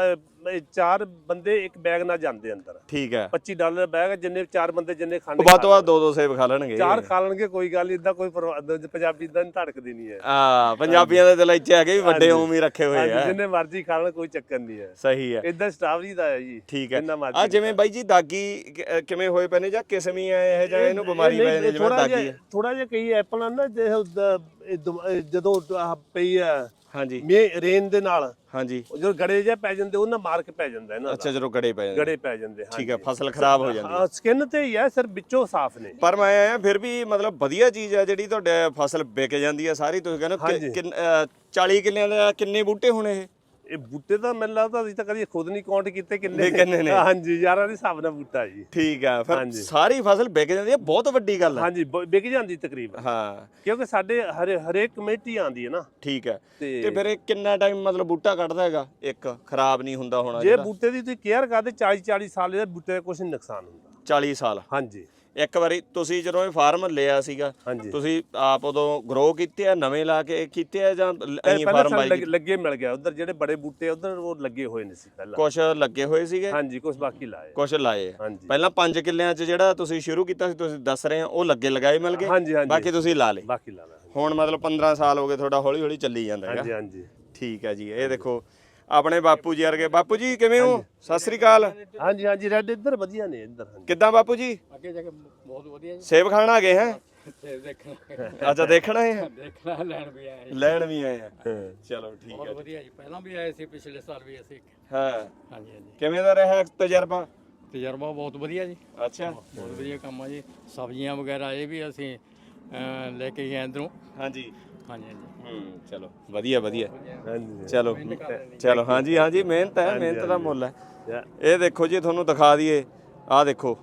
C: ਚਾਰ ਬੰਦੇ ਇੱਕ ਬੈਗ ਨਾਲ ਜਾਂਦੇ ਅੰਦਰ,
A: ਠੀਕ ਹੈ।
C: ਪੱਚੀ ਡਾਲਰ ਦਾ ਬੈਗ, ਜਿੰਨੇ ਚਾਰ ਬੰਦੇ ਜਿੰਨੇ ਖਾਣੇ
A: ਵੱਧ ਤੋਂ ਵੱਧ ਦੋ ਦੋ ਸੇਬ ਖਾ ਲੈਣਗੇ।
C: ਚਾਰ ਖਾ ਲੈਣਗੇ, ਕੋਈ ਗੱਲ ਨਹੀਂ। ਇਦਾਂ ਕੋਈ ਪਰਵਾ- ਪੰਜਾਬੀ ਇਦਾਂ ਨਹੀਂ ਧੜਕਦੀ ਨਹੀਂ ਹੈ।
A: ਆ ਪੰਜਾਬੀਆਂ ਦੇ ਦਿਲ ਇੱਥੇ ਆ ਕੇ ਵੀ ਵੱਡੇ ਉਵੇਂ ਹੀ ਰੱਖੇ ਹੋਏ
C: ਹਾਂਜੀ,
A: ਆ।
C: ਜਿੰਨੇ ਮਰਜ਼ੀ ਖਾ ਲੈਣ, ਕੋਈ ਚੱਕਰ ਨਹੀਂ ਹੈ।
A: ਸਹੀ ਹੈ।
C: ਇਦਾਂ ਸਟਾਵਰੀ ਦਾ ਹੈ ਜੀ।
A: ਠੀਕ ਹੈ।
C: ਜਿੰਨਾ ਮਰਜ਼ੀ
A: ਆ ਜਿਵੇਂ ਬਾਈ ਜੀ ਦਾਗੀ ਕਿ- ਅ, ਕਿਵੇਂ ਹੋਏ ਪਏ ਨੇ ਜਾਂ ਕਿਸਮੀ ਆ ਇਹ ਜਾਂ ਇਹਨੂੰ ਬਿਮਾਰੀ ਪੈ ਜਾਂਦੀ ਜਿਵੇਂ ਦਾਗੀ ਹੈ?
C: ਥੋੜਾ ਜਿਹਾ ਕਈ ਐਪਲਾਂ ਨਾ ਜੇ ਉਹਦਾ- ਇਹ ਦੁਮ- ਇਹ ਜਦੋਂ ਆਹ ਪਈ ਆ
A: ਹਾਂਜੀ
C: ਮੇ ਰੇਨ ਦੇ ਨਾਲ,
A: ਹਾਂਜੀ।
C: ਉਹ ਜਦੋਂ ਗੜੇ ਜਿਹਾ ਪੈ ਜਾਂਦੇ ਉਹਨਾਂ ਮਾਰ ਕੇ ਪੈ ਜਾਂਦਾ ਇਹਨਾਂ
A: ਅੱਛਾ
C: ਦਾ।
A: ਜਦੋਂ ਗੜੇ ਪੈ ਜਾਂਦੇ?
C: ਗੜੇ ਪੈ ਜਾਂਦੇ।
A: ਠੀਕ ਹੈ। ਫਸਲ ਖਰਾਬ ਹੋ ਜਾਂਦੀ ਹੈ।
C: ਹਾਂ ਸਕਿਨ ਤੇ ਹੀ ਹੈ ਸਰ, ਵਿੱਚੋਂ ਸਾਫ਼ ਨੇ।
A: ਪਰ ਮੈਂ ਆਇਆ ਫਿਰ ਵੀ ਮਤਲਬ ਵਧੀਆ ਚੀਜ਼ ਹੈ ਜਿਹੜੀ ਤੁਹਾਡੇ ਫਸਲ ਵਿਕ ਜਾਂਦੀ ਹੈ ਸਾਰੀ। ਤੁਸੀਂ ਕਹਿੰਦੇ ਹੋ ਕਿ- ਕਿੰਨ- ਅ, ਚਾਲੀ ਕਿੱਲਿਆਂ ਦੇ ਕਿੰਨੇ ਬੂਟੇ ਹੋਣੇ ਇਹ?
C: ਇਹ ਬੂਟੇ ਤਾਂ ਮੈਨੂੰ ਲੱਗਦਾ ਅਸੀਂ ਤਾਂ ਕਦੀ ਖੁਦ ਨਹੀਂ ਕਾਊਂਟ ਕੀਤੇ ਕਿੰਨੇ
A: ਕਿੰਨੇ ਨੇ।
C: ਹਾਂਜੀ ਯਾਰਾਂ ਦੇ ਹਿਸਾਬ ਨਾਲ ਬੂਟਾ ਜੀ।
A: ਠੀਕ ਆ। ਫਿਰ
C: ਹਾਂਜੀ।
A: ਸਾਰੀ ਫਸਲ ਵਿਕ ਜਾਂਦੀ ਹੈ, ਬਹੁਤ ਵੱਡੀ ਗੱਲ ਹੈ।
C: ਹਾਂਜੀ ਬ- ਵਿਕ ਜਾਂਦੀ ਤਕਰੀਬਨ,
A: ਹਾਂ
C: ਕਿਉਂਕਿ ਸਾਡੇ ਹਰੇ ਹਰੇਕ ਕਮੇਟੀ ਆਉਂਦੀ ਹੈ ਨਾ।
A: ਠੀਕ ਹੈ।
C: ਤੇ
A: ਤੇ ਫਿਰ ਇਹ ਕਿੰਨਾ ਟਾਈਮ ਮਤਲਬ ਬੂਟਾ ਕੱਢਦਾ ਹੈਗਾ ਇੱਕ? ਖਰਾਬ ਨਹੀਂ ਹੁੰਦਾ ਹੋਣਾ
C: ਜੇ
A: ਜਿਹੜਾ?
C: ਬੂਟੇ ਦੀ ਤੁਸੀਂ ਕੇਅਰ ਕਰਦੇ ਚਾਲੀ ਚਾਲੀ ਸਾਲ ਇਹਦਾ ਬੂਟੇ ਦਾ ਕੁਝ ਨਹੀਂ ਨੁਕਸਾਨ ਹੁੰਦਾ।
A: ਚਾਲੀ ਸਾਲ?
C: ਹਾਂਜੀ
A: ਇੱਕ ਵਾਰੀ ਤੁਸੀਂ ਜਦੋਂ ਇਹ ਫਾਰਮ ਲਿਆ ਸੀਗਾ
C: ਹਾਂਜੀ।
A: ਤੁਸੀਂ ਆਪ ਉਦੋਂ ਗਰੋ ਕੀਤੇ ਆ, ਨਵੇਂ ਲਾ ਕੇ ਕੀਤੇ ਆ ਜਾਂ ਐਂ
C: ਪਹਿਲਾਂ
A: ਫਾਰਮ
C: ਸਾਨੂੰ
A: ਬਾਈ?
C: ਲੱਗ- ਲੱਗੇ ਮਿਲ ਗਿਆ ਉਧਰ, ਜਿਹੜੇ ਬੜੇ ਬੂਟੇ ਉਧਰ ਉਹ ਲੱਗੇ ਹੋਏ ਨੇ ਸੀ ਪਹਿਲਾਂ।
A: ਕੁਝ ਲੱਗੇ ਹੋਏ ਸੀਗੇ?
C: ਹਾਂਜੀ ਕੁਝ ਬਾਕੀ ਲਾਏ।
A: ਕੁਝ ਲਾਏ ਆ।
C: ਹਾਂਜੀ।
A: ਪਹਿਲਾਂ ਪੰਜ ਕਿੱਲਿਆਂ 'ਚ ਜਿਹੜਾ ਤੁਸੀਂ ਸ਼ੁਰੂ ਕੀਤਾ ਸੀ ਤੁਸੀਂ ਦੱਸ ਰਹੇ ਆ ਉਹ ਲੱਗੇ ਲਗਾਏ ਮਿਲ ਗਏ?
C: ਹਾਂਜੀ, ਹਾਂਜੀ।
A: ਬਾਕੀ ਤੁਸੀਂ ਲਾ ਲਏ?
C: ਬਾਕੀ ਲਾ ਲਾ।
A: ਹੁਣ ਮਤਲਬ ਪੰਦਰਾਂ ਸਾਲ ਹੋ ਗਏ ਤੁਹਾਡਾ ਹੌਲੀ ਹੌਲੀ ਚੱਲੀ ਜਾਂਦਾ ਹੈਗਾ?
C: ਹਾਂਜੀ ਹਾਂਜੀ
A: ਠੀਕ ਹੈ ਜੀ। ਇਹ ਦੇਖੋ ਆਪਣੇ ਬਾਪੂ ਜੀ ਵਰਗੇ। ਬਾਪੂ ਜੀ ਕਿਵੇਂ ਹੋ? ਸਤਿ ਸ੍ਰੀ ਅਕਾਲ।
C: ਹਾਂਜੀ ਹਾਂਜੀ ਰੈਡ ਇੱਧਰ ਵਧੀਆ ਨੇ ਇੱਧਰ। ਹਾਂਜੀ
A: ਕਿੱਦਾਂ ਬਾਪੂ ਜੀ?
F: ਅੱਗੇ ਜਾ ਕੇ ਬਹੁਤ ਵਧੀਆ
A: ਸੇਬ ਖਾਣ ਆ ਗਏ ਹੈ?
F: ਜੀ ਦੇਖਣਾ
A: ਅੱਛਾ ਦੇਖਣਾ ਹੈ?
F: ਦੇਖਣਾ ਲੈਣ ਵੀ ਆਏ
A: ਲੈਣ ਵੀ ਆਏ ਆ? ਚਲੋ ਠੀਕ ਹੈ।
F: ਬਹੁਤ ਵਧੀਆ ਜੀ, ਪਹਿਲਾਂ ਵੀ ਆਏ ਸੀ, ਪਿਛਲੇ ਸਾਲ ਵੀ ਅਸੀਂ।
A: ਹਾਂ
F: ਹਾਂਜੀ ਹਾਂਜੀ
A: ਕਿਵੇਂ ਦਾ ਰਿਹਾ ਤਜਰਬਾ?
F: ਤਜਰਬਾ ਬਹੁਤ ਵਧੀਆ ਜੀ,
A: ਅੱਛਾ
F: ਬਹੁਤ ਵਧੀਆ ਕੰਮ ਆ ਜੀ। ਸਬਜ਼ੀਆਂ ਵਗੈਰਾ ਇਹ ਵੀ ਅਸੀਂ ਅਹ, ਲੈ ਕੇ ਗਏ ਅੰਦਰੋਂ।
A: ਹਾਂਜੀ
F: ਹਾਂਜੀ ਹਾਂਜੀ
A: ਹੂੰ ਚਲੋ ਵਧੀਆ ਵਧੀਆ।
C: ਹਾਂਜੀ
A: ਚਲੋ ਚਲੋ ਹਾਂਜੀ ਹਾਂਜੀ ਮਿਹਨਤ ਹੈ, ਮਿਹਨਤ ਦਾ ਮੁੱਲ ਹੈ। ਇਹ ਦੇਖੋ ਜੀ ਤੁਹਾਨੂੰ ਦਿਖਾ ਦਈਏ, ਆਹ ਦੇਖੋ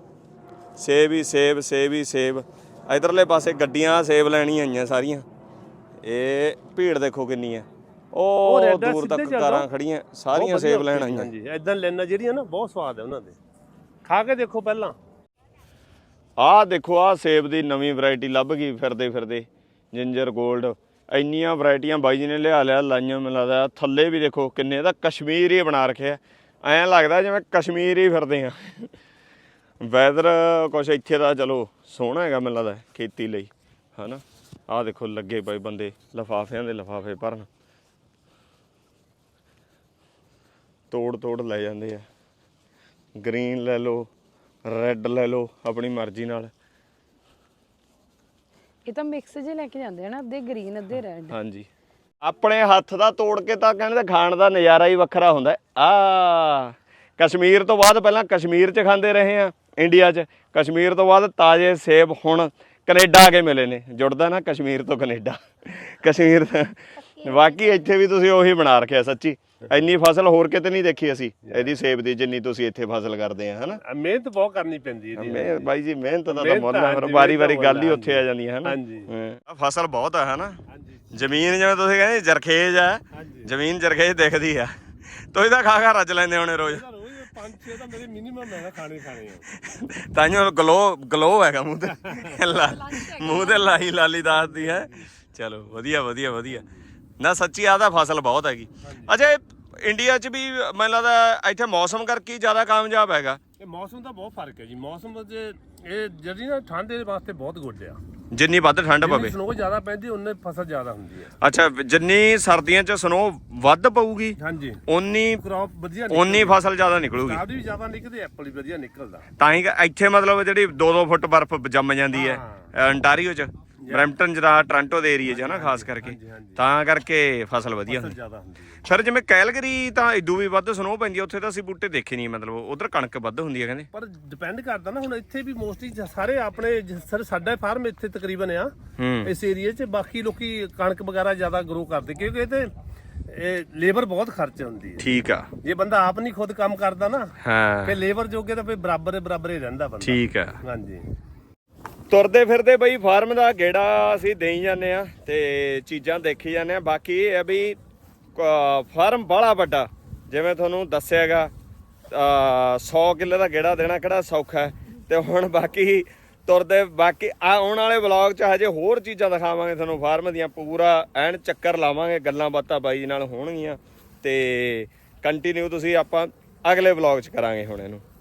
A: ਸੇਬ ਹੀ ਸੇਬ, ਸੇਬ ਹੀ ਸੇਬ। ਇਧਰਲੇ ਪਾਸੇ ਗੱਡੀਆਂ ਸੇਬ ਲੈਣੀਆਂ ਆਈਆਂ ਸਾਰੀਆਂ। ਇਹ ਭੀੜ ਦੇਖੋ ਕਿੰਨੀ ਹੈ, ਉਹ
C: ਰੈਡ ਆ,
A: ਦੂਰ ਤੱਕ
C: ਸਿੱਧੇ ਚੱਲ
A: ਕਾਰਾਂ
C: ਜਾਓ।
A: ਖੜੀਆਂ, ਸਾਰੀਆਂ ਸੇਬ ਲੈਣ ਆਈਆਂ।
C: ਹਾਂਜੀ ਇਦਾਂ ਲੈਣਾ ਜਿਹੜੀਆਂ ਨਾ ਬਹੁਤ ਸਵਾਦ ਹੈ ਉਹਨਾਂ ਦੇ, ਖਾ ਕੇ ਦੇਖੋ ਪਹਿਲਾਂ।
A: ਆਹ ਦੇਖੋ ਆਹ ਸੇਬ ਦੀ ਨਵੀਂ ਵੈਰਾਈਟੀ ਲੱਭ ਗਈ ਫਿਰਦੇ ਫਿਰਦੇ, ਜਿੰਜਰ 골ਡ। ਇੰਨੀਆਂ ਵੈਰਾਈਟੀਆਂ ਬਾਈ ਜੀ ਨੇ ਲਿਆ ਲਿਆ ਲਾਈਆਂ। ਮੈਨੂੰ ਲੱਗਦਾ ਥੱਲੇ ਵੀ ਦੇਖੋ ਕਿੰਨੇ, ਇਹਦਾ ਕਸ਼ਮੀਰ ਹੀ ਬਣਾ ਰੱਖਿਆ। ਐਂ ਲੱਗਦਾ ਜਿਵੇਂ ਕਸ਼ਮੀਰ ਹੀ ਫਿਰਦੇ ਆ। ਵੈਦਰ ਕੁਛ ਇੱਥੇ ਦਾ ਚਲੋ ਸੋਹਣਾ ਹੈਗਾ ਮੈਨੂੰ ਲੱਗਦਾ ਖੇਤੀ ਲਈ, ਹੈ ਨਾ। ਆਹ ਦੇਖੋ ਲੱਗੇ ਪਏ ਬੰਦੇ ਲਿਫਾਫਿਆਂ ਦੇ ਲਿਫਾਫੇ ਭਰਨ, ਤੋੜ ਤੋੜ ਲੈ ਜਾਂਦੇ ਆ। ਗ੍ਰੀਨ ਲੈ ਲਓ, ਰੈੱਡ ਲੈ ਲਓ, ਆਪਣੀ ਮਰਜ਼ੀ ਨਾਲ।
B: ਇਹ ਤਾਂ ਮਿਕਸ ਜੇ ਲੈ ਕੇ ਜਾਂਦੇ ਹਨ, ਅੱਧੇ ਗ੍ਰੀਨ ਅੱਧੇ ਰੈੱਡ।
A: ਹਾਂਜੀ ਆਪਣੇ ਹੱਥ ਦਾ ਤੋੜ ਕੇ ਤਾਂ ਕਹਿੰਦੇ ਖਾਣ ਦਾ ਨਜ਼ਾਰਾ ਹੀ ਵੱਖਰਾ ਹੁੰਦਾ। ਆ ਕਸ਼ਮੀਰ ਤੋਂ ਬਾਅਦ ਪਹਿਲਾਂ ਕਸ਼ਮੀਰ 'ਚ ਖਾਂਦੇ ਰਹੇ ਆ ਇੰਡੀਆ 'ਚ, ਕਸ਼ਮੀਰ ਤੋਂ ਬਾਅਦ ਤਾਜ਼ੇ ਸੇਬ ਹੁਣ ਕੈਨੇਡਾ ਆ ਕੇ ਮਿਲੇ ਨੇ। ਜੁੜਦਾ ਨਾ ਕਸ਼ਮੀਰ ਤੋਂ ਕੈਨੇਡਾ, ਕਸ਼ਮੀਰ ਬਾਕੀ ਇੱਥੇ ਵੀ ਤੁਸੀਂ ਉਹੀ ਬਣਾ ਰੱਖਿਆ। ਸੱਚੀ ਇੰਨੀ ਫਸਲ ਹੋਰ ਕਿਤੇ ਨਹੀਂ ਦੇਖੀ ਅਸੀਂ ਇਹਦੀ ਸੇਬ ਦੀ, ਜਿੰਨੀ ਤੁਸੀਂ ਇੱਥੇ ਫਸਲ ਕਰਦੇ ਆ, ਹਨਾ।
C: ਮਿਹਨਤ ਬਹੁਤ ਕਰਨੀ ਪੈਂਦੀ ਹੈ
A: ਮੈਂ ਬਾਈ ਜੀ ਮਿਹਨਤ ਦਾ ਤਾਂ ਮੁੱਲ ਹੈ, ਵਾਰੀ ਵਾਰੀ ਗੱਲ ਹੀ ਉੱਥੇ ਆ ਜਾਂਦੀ ਹੈ, ਹਨਾ।
C: ਹਾਂਜੀ
A: ਫਸਲ ਬਹੁਤ ਹੈ, ਹਨਾ। ਜ਼ਮੀਨ ਜਿਵੇਂ ਤੁਸੀਂ ਕਹਿੰਦੇ ਜਰਖੇਜ ਆ, ਜ਼ਮੀਨ ਜਰਖੇਜ ਦਿਖਦੀ ਆ। ਤੁਸੀਂ ਤਾਂ ਖਾ ਖਾ ਰੱਜ ਲੈਂਦੇ ਹੋਣੇ ਰੋਜ਼।
C: ਪੰਜ ਛੇ ਤਾਂ ਮੇਰੇ ਮਿਨੀਮਮ ਹੈ ਖਾਣੇ ਖਾਣੇ ਆ।
A: ਤਾਂਹੀਓ ਗਲੋ ਗਲੋ ਹੈਗਾ ਮੂੰਹ ਤੇ, ਮੂੰਹ ਤੇ ਲਾਈ ਲਾਲੀ ਦੱਸਦੀ ਹੈ। ਚਲੋ ਵਧੀਆ ਵਧੀਆ ਵਧੀਆ ਨਾ, ਸੱਚੀ ਆ ਤਾਂ ਫਸਲ ਬਹੁਤ ਹੈਗੀ। ਅੱਛਾ ਇੰਡੀਆ 'ਚ ਵੀ ਮੈਨੂੰ ਲੱਗਦਾ ਇੱਥੇ ਮੌਸਮ ਕਰਕੇ ਜ਼ਿਆਦਾ ਕਾਮਯਾਬ ਹੈਗਾ।
C: ਇਹ ਮੌਸਮ ਦਾ ਬਹੁਤ ਫਰਕ ਹੈ ਜੀ। ਮੌਸਮ ਦੇ ਇਹ ਜਿਹੜੀ ਨਾ ਠੰਡ ਦੇ ਵਾਸਤੇ ਬਹੁਤ ਗੁੱਡ ਆ।
A: ਜਿੰਨੀ ਵੱਧ ਠੰਡ ਪਵੇ,
C: ਸਨੋ ਜ਼ਿਆਦਾ ਪੈਂਦੀ ਉਨੇ ਫਸਲ ਜ਼ਿਆਦਾ ਹੁੰਦੀ ਹੈ।
A: ਅੱਛਾ ਜਿੰਨੀ ਸਰਦੀਆਂ 'ਚ ਸਨੋ ਵੱਧ ਪਊਗੀ
C: ਹਾਂਜੀ
A: ਉਨੀ
C: ਕ੍ਰੌਪ ਵਧੀਆ
A: ਉਨੀ ਫਸਲ ਜ਼ਿਆਦਾ ਨਿਕਲੂਗੀ।
C: ਕਾਬਦੀ ਵੀ ਜ਼ਿਆਦਾ ਨਿਕਲਦੀ, ਐਪਲ ਵੀ ਵਧੀਆ ਨਿਕਲਦਾ।
A: ਤਾਂ ਹੀ ਇੱਥੇ ਮਤਲਬ ਜਿਹੜੀ ਦੋ ਦੋ ਫੁੱਟ ਬਰਫ਼ ਜੰਮ ਜਾਂਦੀ ਹੈ ਅੰਟਾਰੀਓ 'ਚ, ਬਰੈਂਪਟਨ ਜਿਹੜਾ ਟੋਰਾਂਟੋ ਦੇ ਏਰੀਏ 'ਚ ਹੈ ਨਾ ਖਾਸ ਕਰਕੇ, ਤਾਂ ਕਰਕੇ ਫਸਲ ਵਧੀਆ ਹੁੰਦੀ।
C: ਜ਼ਿਆਦਾ ਹੁੰਦੀ ਹੈ।
A: ਫਿਰ ਜਿਵੇਂ ਕੈਲਗਰੀ ਤਾਂ ਇਦੋਂ ਵੀ ਵੱਧ ਸਨੋ ਪੈਂਦੀ ਆ, ਉੱਥੇ ਤਾਂ ਅਸੀਂ ਬੂਟੇ ਦੇਖੇ ਨਹੀਂ, ਮਤਲਬ ਉਧਰ ਕਣਕ ਵੱਧ ਹੁੰਦੀ ਹੈ ਕਹਿੰਦੇ।
C: ਪਰ ਡਿਪੈਂਡ ਕਰਦਾ ਨਾ, ਹੁਣ ਇੱਥੇ ਵੀ ਮੋਸਟਲੀ ਸਾਰੇ ਆਪਣੇ ਜ- ਸਰ ਸਾਡਾ ਫਾਰਮ ਇੱਥੇ ਤਕਰੀਬਨ ਆ
A: ਹੂੰ
C: ਇਸ ਏਰੀਏ 'ਚ, ਬਾਕੀ ਲੋਕੀ ਕਣਕ ਵਗੈਰਾ ਜ਼ਿਆਦਾ ਗਰੋ ਕਰਦੇ ਕਿਉਂਕਿ ਇਹ ਤੇ ਇਹ ਲੇਬਰ ਬਹੁਤ ਖਰਚ ਹੁੰਦੀ ਹੈ।
A: ਠੀਕ ਆ।
C: ਜੇ ਬੰਦਾ ਆਪ ਨਹੀਂ ਖੁਦ ਕੰਮ ਕਰਦਾ ਨਾ
A: ਹਾਂ
C: ਫਿਰ ਲੇਬਰ ਜੋਗੇ ਤਾਂ ਫਿਰ ਬਰਾਬਰ ਬਰਾਬਰ ਹੀ ਰਹਿੰਦਾ ਬੰਦਾ।
A: ਠੀਕ ਆ।
C: ਹਾਂਜੀ
A: ਤੁਰਦੇ ਫਿਰਦੇ ਬਈ ਫਾਰਮ ਦਾ ਗੇੜਾ ਅਸੀਂ ਦੇਈ ਜਾਂਦੇ ਆ ਤੇ ਚੀਜ਼ਾਂ ਦੇਖੀ ਜਾਂਦੇ ਆ। ਬਾਕੀ ਇਹ ਆ ਵੀ ਫਾਰਮ ਬਾਹਲਾ ਵੱਡਾ, ਜਿਵੇਂ ਤੁਹਾਨੂੰ ਦੱਸਿਆਗਾ ਸੌ ਕਿੱਲੇ ਦਾ ਗੇੜਾ ਦੇਣਾ ਕਿਹੜਾ ਸੌਖਾ ਹੈ। ਤੇ ਹੁਣ ਬਾਕੀ ਤੁਰਦੇ ਬਾਕੀ ਆ ਆਉਣ ਵਾਲੇ ਵਲੌਗ 'ਚ ਹਜੇ ਹੋਰ ਚੀਜ਼ਾਂ ਦਿਖਾਵਾਂਗੇ ਤੁਹਾਨੂੰ ਫਾਰਮ ਦੀਆਂ, ਪੂਰਾ ਐਨ ਚੱਕਰ ਲਾਵਾਂਗੇ, ਗੱਲਾਂ ਬਾਤਾਂ ਬਾਈ ਜੀ ਨਾਲ ਹੋਣਗੀਆਂ ਤੇ ਕੰਟੀਨਿਊ ਤੁਸੀਂ ਆਪਾਂ ਅਗਲੇ ਵਲੌਗ 'ਚ ਕਰਾਂਗੇ ਹੁਣ ਇਹਨੂੰ।